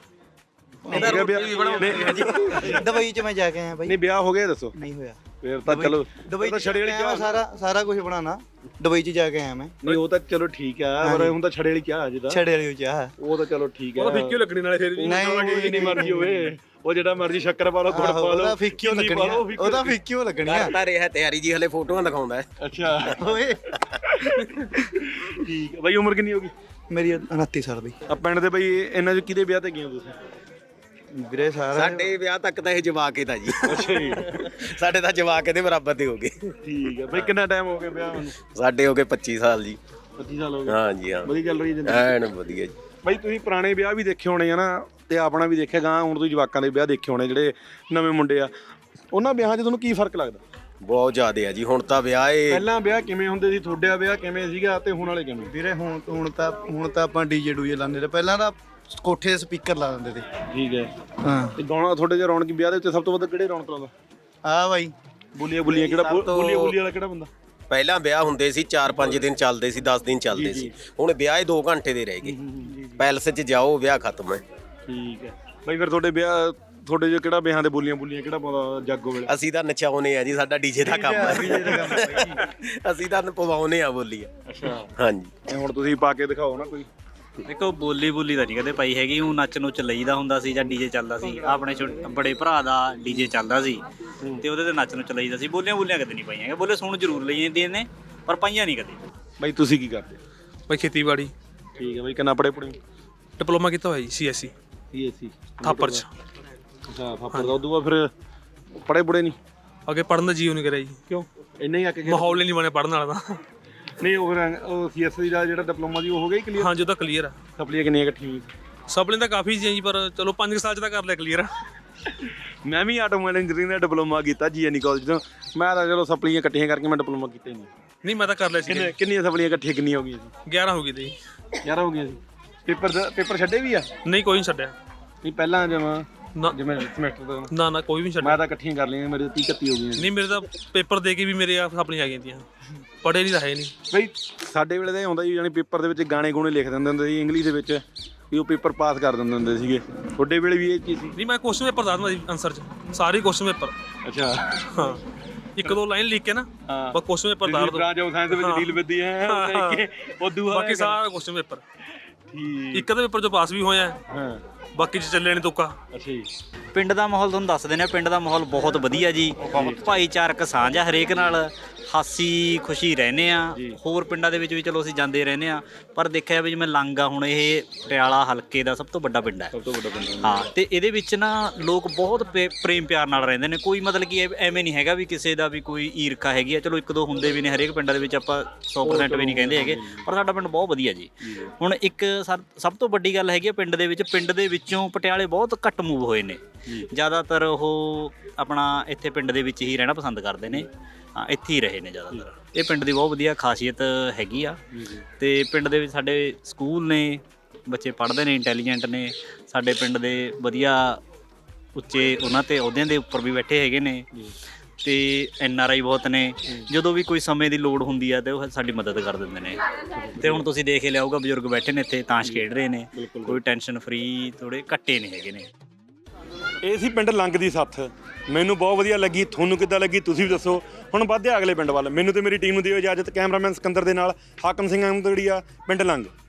E: ਦੁਬਈ ਚ ਮੈਂ ਜਾ ਕੇ ਆਇਆ ਬਾਈ।
B: ਨਹੀਂ ਵਿਆਹ ਹੋ ਗਿਆ ਦੱਸੋ?
E: ਨਹੀਂ ਹੋਇਆ।
B: ਫਿਰ ਤਾਂ ਚਲੋ
E: ਦੁਬਈ ਚ ਛੜੇ ਵਾਲੀ ਚਾਹ ਸਾਰਾ ਕੁਝ ਬਣਾਉਣਾ, ਦੁਬਈ ਚ ਜਾ ਕੇ ਆਇਆ ਮੈਂ।
B: ਨਹੀਂ ਉਹ ਤਾਂ ਚਲੋ ਠੀਕ ਆ, ਪਰ ਹੁਣ ਤਾਂ ਛੜੇ ਵਾਲੀ ਚਾਹ ਅਜੇ ਤਾਂ।
E: ਛੜੇ ਵਾਲੀ ਚਾਹ
B: ਉਹ ਤਾਂ ਚਲੋ ਠੀਕ ਆ, ਉਹ ਫਿੱਕੀ ਲੱਗਣੀ ਨਾਲੇ ਫਿਰ ਵੀ ਨਹੀਂ ਮਰਜ਼ੀ ਹੋਵੇ, ਉਹ ਜਿਹੜਾ ਮਰਜ਼ੀ ਸ਼ੱਕਰ ਪਾ ਲਓ, ਗੁੜ ਪਾ ਲਓ,
E: ਉਹਦਾ ਫਿੱਕੀ ਲੱਗਣੀ ਆ। ਉਹਦਾ ਫਿੱਕੀ ਲੱਗਣੀ ਆ।
D: ਕਰਤਾ ਰਿਹਾ ਤਿਆਰੀ ਜੀ, ਹਲੇ ਫੋਟੋਆਂ ਦਿਖਾਉਂਦਾ ਹੈ।
B: ਅੱਛਾ
E: ਓਏ
B: ਠੀਕ ਹੈ ਬਾਈ, ਉਮਰ ਕਿੰਨੀ ਹੋ ਗਈ?
L: ਮੇਰੀ 29 ਸਾਲ ਦੀ।
B: ਆ ਪਿੰਡ ਦੇ ਬਾਈ ਇਹਨਾਂ 'ਚ ਕਿਹਦੇ ਵਿਆਹ ਤੇ ਗਏ ਹੋ ਤੁਸੀਂ?
L: ਵੀਰੇ ਸਾਰਾ
D: ਸਾਡੇ ਵਿਆਹ ਤੱਕ ਤਾਂ ਇਹ ਜਵਾਕ ਹੀ ਤਾਂ ਜੀ।
B: ਅੱਛਾ ਜੀ।
D: ਸਾਡੇ ਤਾਂ ਜਵਾਕ ਇਹਦੇ ਬਰਾਬਰ ਦੇ ਹੋ ਗਏ।
B: ਠੀਕ ਹੈ ਬਾਈ, ਕਿੰਨਾ ਟਾਈਮ ਹੋ ਗਿਆ ਵਿਆਹ ਨੂੰ?
D: ਸਾਡੇ ਹੋ ਗਏ 25 ਸਾਲ ਜੀ।
B: 25 ਸਾਲ ਹੋ ਗਏ।
D: ਹਾਂ ਜੀ, ਹਾਂ
B: ਵਧੀਆ ਚੱਲ ਰਹੀ ਹੈ ਜ਼ਿੰਦਗੀ?
D: ਐਨ ਵਧੀਆ ਜੀ।
B: ਬਾਈ ਤੁਸੀਂ ਪੁਰਾਣੇ ਵਿਆਹ ਵੀ ਦੇਖੇ ਹੋਣੇ ਆ ਨਾ, ਤੇ ਆਪਣਾ ਵੀ ਦੇਖਿਆ ਗਾ, ਹੁਣ ਤੁਸੀਂ ਜਵਾਕਾਂ ਦੇ ਵਿਆਹ ਦੇਖੇ ਹੋਣੇ ਜਿਹੜੇ ਨਵੇਂ ਮੁੰਡੇ ਆ, ਉਹਨਾਂ ਵਿਆਹਾਂ 'ਚ ਤੁਹਾਨੂੰ ਕੀ ਫਰਕ ਲੱਗਦਾ?
D: ਬਹੁਤ ਜ਼ਿਆਦਾ ਆ ਜੀ। ਹੁਣ ਤਾਂ ਵਿਆਹ
B: ਪਹਿਲਾਂ ਵਿਆਹ ਕਿਵੇਂ ਹੁੰਦੇ ਸੀ, ਤੁਹਾਡਾ ਵਿਆਹ ਕਿਵੇਂ ਸੀਗਾ ਤੇ ਹੁਣ ਵਾਲੇ ਕਿਵੇਂ?
L: ਵੀਰੇ ਹੁਣ ਤਾਂ ਆਪਾਂ ਡੀਜੇ ਡੂਜੇ ਲਾਉਂਦੇ ਤੇ ਪਹਿਲਾਂ ਤਾਂ ਕੋਠੇ ਦੇ ਸਪੀਕਰ ਲਾ ਦਿੰਦੇ ਤੇ।
B: ਠੀਕ ਹੈ।
L: ਹਾਂ
B: ਤੇ ਗਾਣਾ ਤੁਹਾਡੇ ਜੇ ਰੌਣਕ ਵਿਆਹ ਦੇ ਉੱਤੇ ਸਭ ਤੋਂ ਵੱਧ ਕਿਹੜੇ ਰੌਣਕ ਲਾਉਂਦਾ?
L: ਆ ਬਾਈ
B: ਬੋਲੀਆਂ ਕਿਹੜਾ ਬੋਲੀ ਵਾਲਾ ਕਿਹੜਾ ਬੰਦਾ?
D: ਪਹਿਲਾਂ ਵਿਆਹ ਹੁੰਦੇ ਸੀ 4-5 ਦਿਨ ਚੱਲਦੇ ਸੀ, 10 ਦਿਨ ਚੱਲਦੇ ਸੀ। ਹੁਣ ਵਿਆਹ 2 ਘੰਟੇ ਦੇ ਰਹਿ ਗਏ। ਪੈਲਸ 'ਚ ਜਾਓ, ਵਿਆਹ ਖਤਮ ਹੈ।
B: ਠੀਕ ਹੈ ਬਾਈ, ਫਿਰ ਤੁਹਾਡੇ ਜੋ ਕਿਹੜਾ ਵਿਆਹਾਂ ਦੇ ਬੋਲੀਆਂ ਕਿਹੜਾ ਪਾਉਂਦਾ ਜਾਗੋ ਵੇਲੇ?
D: ਅਸੀਂ ਤਾਂ ਨਚਾਉਨੇ ਆ ਜੀ, ਸਾਡਾ ਡੀਜੇ ਦਾ ਕੰਮ ਹੈ। ਅਸੀਂ ਤਾਂ ਪਵਾਉਨੇ ਆ ਬੋਲੀਆਂ।
B: ਅੱਛਾ
D: ਹਾਂਜੀ।
B: ਹੁਣ ਤੁਸੀਂ ਪਾ ਕੇ ਦਿਖਾਓ ਨਾ ਕੋਈ।
K: ਦੇਖੋ ਬੋਲੀ ਤਾਂ ਨਹੀਂ ਕਦੇ ਪਾਈ ਹੈਗੀ, ਉਹ ਨੱਚ ਨੁੱਚ ਲਈਦਾ ਹੁੰਦਾ ਸੀ ਜਾਂ ਡੀਜੇ ਚੱਲਦਾ ਸੀ। ਆਪਣੇ ਬੜੇ ਭਰਾ ਦਾ ਡੀਜੇ ਚੱਲਦਾ ਸੀ ਤੇ ਉਹਦੇ ਤੇ ਨੱਚ ਨੁੱਚ ਲਈਦਾ ਸੀ। ਬੋਲੀਆਂ ਕਦੇ ਨਹੀਂ ਪਾਈਆਂ ਹੈਗੀਆਂ। ਬੋਲੇ ਸੁਣ ਜ਼ਰੂਰ ਲਈ ਜਾਂਦੀਆਂ ਨੇ, ਪਰ ਪਾਈਆਂ ਨਹੀਂ ਕਦੇ।
B: ਬਾਈ ਤੁਸੀਂ ਕੀ ਕਰਦੇ?
M: ਬਾਈ ਖੇਤੀਬਾੜੀ।
B: ਠੀਕ ਹੈ ਬਾਈ, ਕਿੰਨਾ ਪੜ੍ਹੇ?
M: ਡਿਪਲੋਮਾ ਕੀਤਾ ਹੋਇਆ ਜੀ CSC ਥਾਪਰ 'ਚ।
B: ਅੱਛਾ ਥਾਪਰ ਦਾ। ਉਦੋਂ ਬਾਅਦ ਫਿਰ ਪੜ੍ਹੇ ਨਹੀਂ?
M: ਅੱਗੇ ਪੜ੍ਹਨ ਦਾ ਜੀਓ ਨਹੀਂ ਕਰਿਆ ਜੀ।
B: ਕਿਉਂ? ਇੰਨਾ ਹੀ ਆ ਕੇ
M: ਮਾਹੌਲ ਹੀ ਨਹੀਂ ਬਣਿਆ ਪੜ੍ਹਨ ਵਾਲਾ ਤਾਂ।
B: ਨਹੀਂ ਉਹ CSC ਦਾ ਜਿਹੜਾ ਡਿਪਲੋਮਾ ਜੀ ਉਹ ਹੋ ਗਿਆ ਕਲੀਅਰ?
M: ਹਾਂਜੀ ਉਹ ਤਾਂ ਕਲੀਅਰ ਆ।
B: ਸਪਲੀਆਂ ਕਿੰਨੀਆਂ ਇਕੱਠੀਆਂ ਹੋਈਆਂ?
M: ਸਪਲੀਆਂ ਤਾਂ ਕਾਫੀ ਸੀ ਜੀ, ਪਰ ਚਲੋ 5 ਸਾਲ 'ਚ ਤਾਂ ਕਰ ਲਿਆ ਕਲੀਅਰ।
B: ਮੈਂ ਵੀ ਆਟੋਮੋਬਾਈਲ ਇੰਜੀਨੀਅਰਿੰਗ ਦਾ ਡਿਪਲੋਮਾ ਕੀਤਾ GNE ਕਾਲਜ ਤੋਂ। ਮੈਂ ਤਾਂ ਚਲੋ ਸਪਲੀਆਂ ਇਕੱਠੀਆਂ ਕਰਕੇ ਮੈਂ ਡਿਪਲੋਮਾ ਕੀਤਾ ਹੀ
M: ਨਹੀਂ। ਮੈਂ ਤਾਂ ਕਰ ਲਿਆ ਸੀ।
B: ਕਿੰਨੀਆਂ ਸਪਲੀਆਂ ਇਕੱਠੀਆਂ ਕਿੰਨੀਆਂ ਹੋ ਗਈਆਂ ਸੀ?
M: 11 ਹੋ ਗਈ ਤੇ
B: 11 ਹੋ ਗਈਆਂ ਸੀ। ਪੇਪਰ ਛੱਡੇ ਵੀ ਆ?
M: ਨਹੀਂ ਕੋਈ ਨਹੀਂ ਛੱਡਿਆ।
B: ਨਹੀਂ ਪਹਿਲਾਂ ਜਿਵੇਂ
M: ਸਮੈਸਟਰ ਦਾ ਨਾ ਕੋਈ ਵੀ ਛੱਡਿਆ।
B: ਮੈਂ ਤਾਂ ਇਕੱਠੀਆਂ ਕਰ ਲਈਆਂ, ਮੇਰੇ 30-31 ਹੋ ਗਈਆਂ।
M: ਨਹੀਂ ਮੇਰੇ ਤਾਂ ਪੇਪਰ ਦੇ ਕੇ ਵੀ ਮੇਰੇ ਆਪਣੀਆਂ ਆ ਗਈਆਂ ਤੀਆਂ। ਪੜ੍ਹੇ ਨਹੀਂ ਤਾਂ ਹੈ ਨਹੀਂ
B: ਬਈ। ਸਾਡੇ ਵੇਲੇ ਤਾਂ ਇਹ ਹੁੰਦਾ ਸੀ ਜਾਨੀ ਪੇਪਰ ਦੇ ਵਿੱਚ ਗਾਣੇ ਗੂਣੇ ਲਿਖ ਦਿੰਦੇ ਹੁੰਦੇ ਸੀ ਇੰਗਲਿਸ਼ ਦੇ ਵਿੱਚ, ਵੀ ਉਹ ਪੇਪਰ ਪਾਸ ਕਰ ਦਿੰਦੇ ਹੁੰਦੇ ਸੀਗੇ। ਤੁਹਾਡੇ ਵੇਲੇ ਵੀ ਇਹ ਚੀਜ਼ ਸੀ?
M: ਨਹੀਂ ਮੈਂ ਕੁਐਸਚਨ ਪੇਪਰ ਦੱਸਦਾ ਸੀ ਆਨਸਰ 'ਚ, ਸਾਰੇ ਕੁਐਸਚਨ ਪੇਪਰ।
B: ਅੱਛਾ
M: ਹਾਂ, 1-2 ਲਾਈਨ ਲਿਖ ਕੇ ਨਾ ਬਸ ਕੁਐਸਚਨ ਪੇਪਰ ਦੱਸ ਦੋ।
B: ਬ੍ਰਾਂਚ ਆਫ ਸਾਇੰਸ ਦੇ ਵਿੱਚ ਡੀਲ ਵਿੱਦੀ ਹੈ ਉਦੋਂ
M: ਬਾਕੀ ਸਾਰਾ ਕੁਐਸਚਨ ਪੇਪਰ। ਇੱਕ ਅੱਧੇ ਪੇਪਰ 'ਚੋਂ ਪਾਸ ਵੀ ਹੋਇਆ, ਬਾਕੀ 'ਚ ਚੱਲਿਆ ਨਹੀਂ ਤੁੱਕਾ।
B: ਅੱਛਾ ਜੀ।
K: ਪਿੰਡ ਦਾ ਮਾਹੌਲ ਤੁਹਾਨੂੰ ਦੱਸ ਦਿੰਦੇ ਆ। ਪਿੰਡ ਦਾ ਮਾਹੌਲ ਬਹੁਤ ਵਧੀਆ ਜੀ। ਭਾਈਚਾਰਕ ਸਾਂਝ ਆ ਹਰੇਕ ਨਾਲ, ਹਾਸੀ ਖੁਸ਼ੀ ਰਹਿੰਦੇ ਆ। ਹੋਰ ਪਿੰਡਾਂ ਦੇ ਵਿੱਚ ਵੀ ਚਲੋ ਅਸੀਂ ਜਾਂਦੇ ਰਹਿੰਦੇ ਆ, ਪਰ ਦੇਖਿਆ ਵੀ ਜਿਵੇਂ ਲੰਗ ਆ, ਹੁਣ ਇਹ ਪਟਿਆਲਾ ਹਲਕੇ ਦਾ ਸਭ ਤੋਂ ਵੱਡਾ ਪਿੰਡ ਹੈ। ਹਾਂ, ਤੇ ਇਹਦੇ ਵਿੱਚ ਨਾ ਲੋਕ ਬਹੁਤ ਪ੍ਰੇਮ ਪਿਆਰ ਨਾਲ ਰਹਿੰਦੇ ਨੇ। ਕੋਈ ਮਤਲਬ ਕਿ ਐਵੇਂ ਨਹੀਂ ਹੈਗਾ ਵੀ ਕਿਸੇ ਦਾ ਵੀ ਕੋਈ ਈਰਖਾ ਹੈਗੀ ਆ। ਚਲੋ 1-2 ਹੁੰਦੇ ਵੀ ਨੇ ਹਰੇਕ ਪਿੰਡਾਂ ਦੇ ਵਿੱਚ, ਆਪਾਂ 100% ਵੀ ਨਹੀਂ ਕਹਿੰਦੇ ਹੈਗੇ, ਪਰ ਸਾਡਾ ਪਿੰਡ ਬਹੁਤ ਵਧੀਆ ਜੀ। ਹੁਣ ਇੱਕ ਸਭ ਤੋਂ ਵੱਡੀ ਗੱਲ ਹੈਗੀ ਆ ਪਿੰਡ ਦੇ ਵਿੱਚੋਂ ਪਟਿਆਲੇ ਬਹੁਤ ਘੱਟ ਮੂਵ ਹੋਏ ਨੇ। ਜ਼ਿਆਦਾਤਰ ਉਹ ਆਪਣਾ ਇੱਥੇ ਪਿੰਡ ਦੇ ਵਿੱਚ ਹੀ ਰਹਿਣਾ ਪਸੰਦ ਕਰਦੇ ਨੇ। ਹਾਂ, ਇੱਥੇ ਹੀ ਰਹੇ ਨੇ ਜ਼ਿਆਦਾਤਰ। ਇਹ ਪਿੰਡ ਦੀ ਬਹੁਤ ਵਧੀਆ ਖਾਸੀਅਤ ਹੈਗੀ ਆ। ਤੇ ਪਿੰਡ ਦੇ ਵਿੱਚ ਸਾਡੇ ਸਕੂਲ ਨੇ, ਬੱਚੇ ਪੜ੍ਹਦੇ ਨੇ, ਇੰਟੈਲੀਜੈਂਟ ਨੇ। ਸਾਡੇ ਪਿੰਡ ਦੇ ਵਧੀਆ ਉੱਚੇ ਉਹਨਾਂ ਤੇ ਅਹੁਦਿਆਂ ਦੇ ਉੱਪਰ ਵੀ ਬੈਠੇ ਹੈਗੇ ਨੇ। ਤੇ NRI ਬਹੁਤ ਨੇ। ਜਦੋਂ ਵੀ ਕੋਈ ਸਮੇਂ ਦੀ ਲੋੜ ਹੁੰਦੀ ਆ ਤੇ ਉਹ ਸਾਡੀ ਮਦਦ ਕਰ ਦਿੰਦੇ ਨੇ। ਤੇ ਹੁਣ ਤੁਸੀਂ ਦੇਖ ਹੀ ਲਿਆਊਗਾ, ਬਜ਼ੁਰਗ ਬੈਠੇ ਨੇ ਇੱਥੇ, ਤਾਸ਼ ਖੇਡ ਰਹੇ ਨੇ। ਕੋਈ ਟੈਨਸ਼ਨ ਫਰੀ, ਥੋੜੇ ਘੱਟੇ ਨਹੀਂ ਹੈਗੇ ਨੇ।
B: ਇਹ ਸੀ ਪਿੰਡ ਲੰਗ ਦੀ ਸੱਥ। ਮੈਨੂੰ ਬਹੁਤ ਵਧੀਆ ਲੱਗੀ। ਤੁਹਾਨੂੰ ਕਿੱਦਾਂ ਲੱਗੀ ਤੁਸੀਂ ਵੀ ਦੱਸੋ। ਹੁਣ ਵੱਧਦੇ ਅਗਲੇ ਪਿੰਡ ਵੱਲ। ਮੈਨੂੰ ਤੇ ਮੇਰੀ ਟੀਮ ਨੂੰ ਦਿਓ ਇਜਾਜ਼ਤ। ਕੈਮਰਾਮੈਨ ਸਿਕੰਦਰ ਦੇ ਨਾਲ ਹਾਕਮ ਸਿੰਘ ਅਹਿਮਦਗੜੀਆ, ਪਿੰਡ ਲੰਗ।